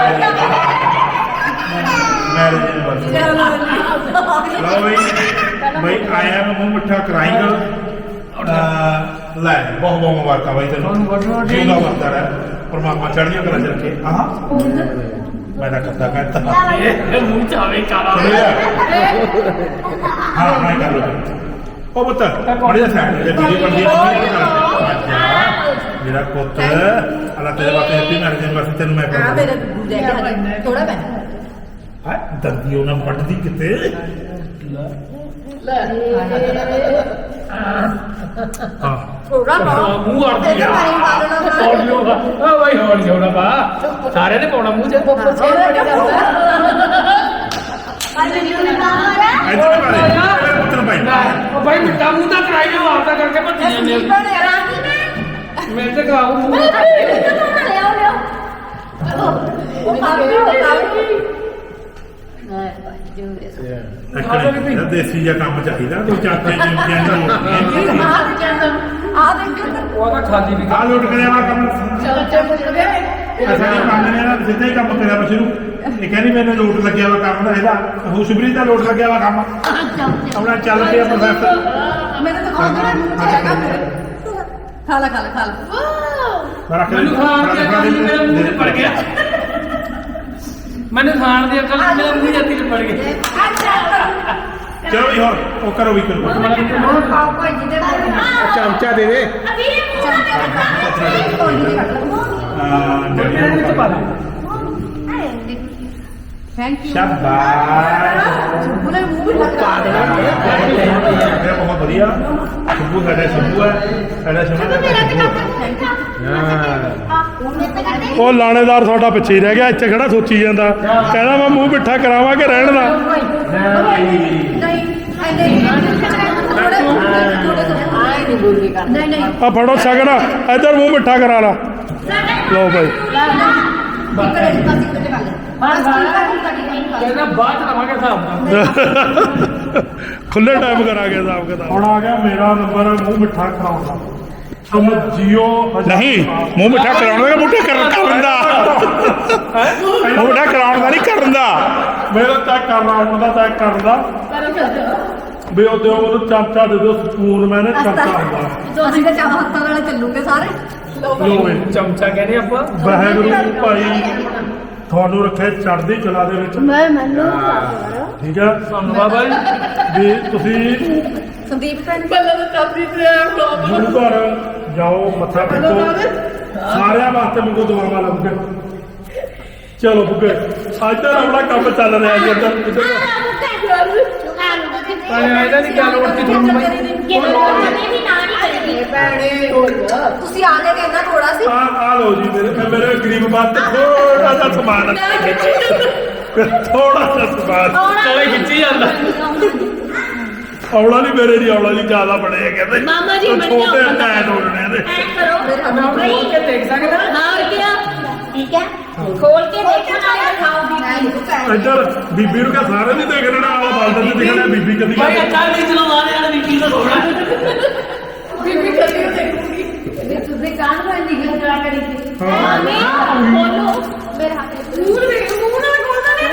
Speaker 6: ਮੈਰਿਜ ਐਨਵਰਸਰੀ ਲਓ ਬਈ ਬਈ ਆਇਆ ਨੂੰ ਮੂੰਹ ਮਿੱਠਾ ਕਰਾਏਗਾ ਲੈ ਬਹੁਤ ਬਹੁਤ ਮੁਬਾਰਕਾਂ ਬਾਈ ਤੈਨੂੰ ਜਿਉਂਦਾ ਵਰਦਾ ਰਹਿ ਪਰਮਾਤਮਾ ਚੜ੍ਹਦੀਆਂ ਕਰਾਂ ਚ ਰੱਖੇ ਆਹ ਮੈਂ ਤਾਂ ਕਰਦਾ ਕਹਿੰਦਾ
Speaker 4: ਇਹ ਮੂੰਹ ਚਾਵੇ ਕਾਲਾ
Speaker 6: ਹਾਂ ਮੈਂ ਕਰ ਲਵਾਂ ਉਹ ਪੁੱਤ ਬੜੀ ਸਾਈਡ ਤੇ ਵੀਡੀਓ ਬਣਦੀ ਹੈ ਮੇਰਾ ਪੁੱਤ ਅੱਲਾ ਤੇਰੇ ਵਾਸਤੇ ਹੈਪੀ ਮੈਰਿਜ ਐਨਵਰਸਰੀ ਤੈਨੂੰ ਮੈਂ
Speaker 7: ਆ
Speaker 6: ਕਰ
Speaker 7: ਮੇਰਾ ਥੋੜਾ ਪੈਨ
Speaker 6: ਹਾਂ ਦਰਦੀ ਉਹਨਾਂ ਵੱਢਦੀ ਕਿਤੇ ਹਾਂ
Speaker 7: ਥੋੜਾ
Speaker 4: ਹਾਂ, ਮੂੰਹ ਅੜ
Speaker 7: ਤੇ
Speaker 4: ਗਿਆ
Speaker 7: ਪਾਣੀ ਪਾ ਦੇਣਾ ਸਾਰਾ।
Speaker 4: ਹੌਲੀ ਹੋਗਾ ਆ ਬਾਈ ਹੌਲੀ ਜਾਉਣਾ ਬਾ ਸਾਰਿਆਂ ਨੇ ਪਾਉਣਾ ਮੂੰਹ ਚ
Speaker 6: ਇੱਧਰ ਬਾਰੇ ਮੇਰੇ ਪੁੱਤ ਨੂੰ ਭਾਈ
Speaker 4: ਉਹ ਬਾਈ ਮਿੱਟਾ ਮੂੰਹ ਤਾਂ ਕਰਾਈ ਜਾਓ ਆਪਦਾ ਕਰਕੇ ਭੱਜੀ ਜਾਂਦੇ ਹੋ। ਮੈਂ ਤੇ ਕਰਾਉ ਮੂੰਹ
Speaker 6: ਇੱਕ ਦੇਸੀ ਜਿਹਾ ਕੰਮ ਚਾਹੀਦਾ ਦੋ ਚਾਚੇ ਜਿੰਦਿਆਂ ਦਾ
Speaker 7: ਆ ਦੇਖੋ
Speaker 4: ਉਹ ਤਾਂ ਖਾਲੀ ਵੀ
Speaker 6: ਆ ਲੁੱਟ ਕਰਿਆ ਵਾ ਕੰਮ ਅਸਾਂ ਇਹ ਮੰਗਨੇ ਆ ਸਿੱਧਾ ਹੀ ਕੰਮ ਕਰਿਆ ਵਾ ਸ਼ੁਰੂ ਇਹ ਕਹਿੰਦੀ ਮੈਨੂੰ ਲੋਟ ਲੱਗਿਆ ਵਾ ਕੰਮ ਦਾ ਇਹਦਾ ਖੁਸ਼ਬਰੀ ਦਾ ਲੋਟ ਲੱਗਿਆ ਵਾ ਕੰਮ ਆਪਣਾ ਚੱਲ ਪਿਆ ਪ੍ਰੋਫੈਸਰ
Speaker 7: ਮੈਨੂੰ ਤਾਂ ਖਾ ਦੇਣਾ ਖਾ ਲੈ ਖਾ ਲੈ ਖਾ ਲੈ
Speaker 6: ਮੈਂ ਰੱਖ
Speaker 4: ਮੈਨੂੰ ਖਾਣ ਦੀ ਅਕਲ ਨਹੀਂ ਮੇਰੇ ਮੂੰਹ 'ਚ ਪੜ ਗਿਆ ਮੈਨੂੰ ਖਾਣ ਦੀ ਅਕਲ ਮੇਰੇ ਮੂੰਹ 'ਚ ਪੜ ਗਈ
Speaker 6: ਚਲੋ ਜੀ ਹੋਰ ਉਹ ਕਰੋ ਵੀ ਕਰੋ
Speaker 7: ਖਾਓ ਭਾਈ ਜੀ ਦੇ
Speaker 6: ਚਮਚਾ ਦੇ ਦੇ
Speaker 4: ਮੇਰੇ ਵਿੱਚ ਪਾ ਦੇ
Speaker 7: ਥੈਂਕ ਯੂ
Speaker 6: ਸ਼ਾਬਾਸ਼
Speaker 7: ਉਹਨੇ ਮੂੰਹ ਵੀ ਲਗਾ ਦੇਣਾ
Speaker 6: ਇਹ ਬਹੁਤ ਵਧੀਆ ਸ਼ੰਭੂ ਸਾਡਾ ਸ਼ੰਭੂ ਹੈ ਸਾਡਾ ਸ਼ੰਭੂ
Speaker 3: ਉਹ ਲਾਣੇਦਾਰ ਸਾਡਾ ਪਿੱਛੇ ਹੀ ਰਹਿ ਗਿਆ ਇੱਥੇ ਖੜਾ ਸੋਚੀ ਜਾਂਦਾ ਕਹਿੰਦਾ ਮੈਂ ਮੂੰਹ ਮਿੱਠਾ ਕਰਾਵਾਂ ਕਿ ਰਹਿਣ ਦਾ
Speaker 7: ਨਹੀਂ ਨਹੀਂ
Speaker 3: ਆ ਫੜੋ ਸ਼ਗਨ ਇੱਧਰ ਮੂੰਹ ਮਿੱਠਾ ਕਰਾ ਲਾ ਲਓ ਭਾਈ
Speaker 4: ਕਹਿੰਦਾ ਬਾਅਦ ਚ ਲਵਾਂਗੇ ਹਿਸਾਬ ਨਾਲ
Speaker 3: ਖੁੱਲੇ ਟਾਈਮ ਕਰਾਂਗੇ ਹਿਸਾਬ ਕਿਤਾਬ ਹੁਣ ਆ ਗਿਆ ਮੇਰਾ ਨੰਬਰ ਮੂੰਹ ਮਿੱਠਾ ਕਰਾਉਣ ਦਾ ਤੁਮ ਜੀਓ
Speaker 6: ਨਹੀਂ ਮੂੰਹ ਮਿੱਠਾ ਕਰਾਉਣ ਦਾ ਬੂਟੇ ਕਰਨ ਕਰਨ ਦਾ ਮੂੰਹ ਮਿੱਠਾ ਕਰਾਉਣ ਦਾ ਨਹੀਂ ਕਰਨ ਦਾ
Speaker 3: ਮੇਰਾ ਚੈੱਕ ਕਰਨਾ ਉਹਨਾਂ ਦਾ ਚੈੱਕ ਕਰਨ ਦਾ ਵੀ ਉਹ ਦਿਓ ਉਹਨੂੰ ਚਮਚਾ ਦੇ ਦਿਓ ਸਪੂਨ ਮੈਨੇ ਚਮਚਾ ਹੁੰਦਾ
Speaker 7: ਅਸੀਂ ਤਾਂ ਚਾਹ ਹੱਥਾਂ ਨਾਲ ਚੱਲੂਗੇ ਸਾਰੇ
Speaker 3: ਲਓ ਬਈ
Speaker 4: ਚਮਚਾ ਕਹਿੰਦੇ ਆਪਾਂ
Speaker 3: ਵਾਹਿਗੁਰੂ ਭਾਈ ਤੁਹਾਨੂੰ ਰੱਖੇ ਚੜ੍ਹਦੀ ਕਲਾ ਦੇ ਵਿੱਚ
Speaker 7: ਮੈਂ ਮੈਨੂੰ
Speaker 3: ਠੀਕ ਹੈ
Speaker 4: ਸਾਨੂੰ ਬਾਬਾ ਜੀ
Speaker 3: ਵੀ ਤੁਸੀਂ
Speaker 7: ਸੰਦੀਪ ਭੈਣ
Speaker 3: ਗੁਰੂ ਘਰ ਜਾਓ ਮੱਥਾ ਟੇਕੋ ਸਾਰਿਆਂ ਵਾਸਤੇ ਮੰਗੋ ਦੁਆਵਾਂ ਲੱਗ ਕੇ ਚਲੋ ਬੁੱਗੇ ਅੱਜ ਦਾ ਆਪਣਾ ਕੰਮ ਚੱਲ ਰਿਹਾ ਜੀ ਇੱਧਰ ਇੱਧਰ
Speaker 4: ਪਰ ਇਹਦਾ ਨਹੀਂ ਗੱਲ ਉੱਠੀ ਤੁਹਾਨੂੰ ਬਾਈ
Speaker 7: ਤੁਸੀਂ ਆਨੇ ਕਹਿੰਦਾ ਥੋੜਾ ਸੀ
Speaker 3: ਆ ਆ ਲਓ ਜੀ ਮੇਰੇ ਮੇਰੇ ਗਰੀਬ ਬਾਤ ਥੋੜਾ ਜਿਹਾ ਸਮਾਨ ਥੋੜਾ ਜਿਹਾ ਸਮਾਨ
Speaker 4: ਕੋਲੇ ਖਿੱਚੀ ਜਾਂਦਾ
Speaker 3: ਔਲਾ ਨਹੀਂ ਮੇਰੇ ਦੀ ਔਲਾ ਜੀ ਜ਼ਿਆਦਾ ਬੜੇ ਆ ਕਹਿੰਦੇ
Speaker 2: ਮਾਮਾ ਜੀ,
Speaker 3: ਉਹ
Speaker 2: ਮੈਨੂੰ
Speaker 3: ਛੋਟੇ
Speaker 2: ਪਤਾ।
Speaker 3: ਟੈਟ ਹੋਣੇ ਨੇ
Speaker 2: ਐ ਕਰੋ
Speaker 4: ਮੈਂ ਖੋਲ ਕੇ ਦੇਖ ਸਕਦਾ
Speaker 2: ਹੋਰ ਕਿਆ ਠੀਕ ਹੈ ਖੋਲ ਕੇ ਦੇਖੋ ਨਾਲੇ ਖਾਓ
Speaker 3: ਇੱਧਰ ਬੀਬੀ ਨੂੰ ਕਹ ਸਾਰੇ ਨਹੀਂ ਦੇਖ ਲੈਣਾ ਆਲਾ ਬਾਲਦਾ ਤੇ ਦੇਖਣਾ ਬੀਬੀ ਕਦੀ
Speaker 4: ਬਾਈ ਅੱਛਾ ਨਹੀਂ ਚਲਾਉਂਦਾ ਨੇ ਯਾਰ ਵਿੱਕੀ ਦਾ ਥੋੜਾ
Speaker 7: ਬੀਬੀ ਕਰੀ ਦੇਖੂਗੀ ਇਹ ਤੁਸੀਂ ਕਾਨ ਨੂੰ ਨਿਗਲ ਕਰਾ ਕਰੀ
Speaker 3: ਹਾਂ
Speaker 2: ਬੋਲੋ
Speaker 7: ਮੇਰੇ ਹੱਥ
Speaker 2: ਮੂੰਹ ਵੇਖ ਮੂੰਹ ਨਾਲ ਖੋਲਦਾ ਨਹੀਂ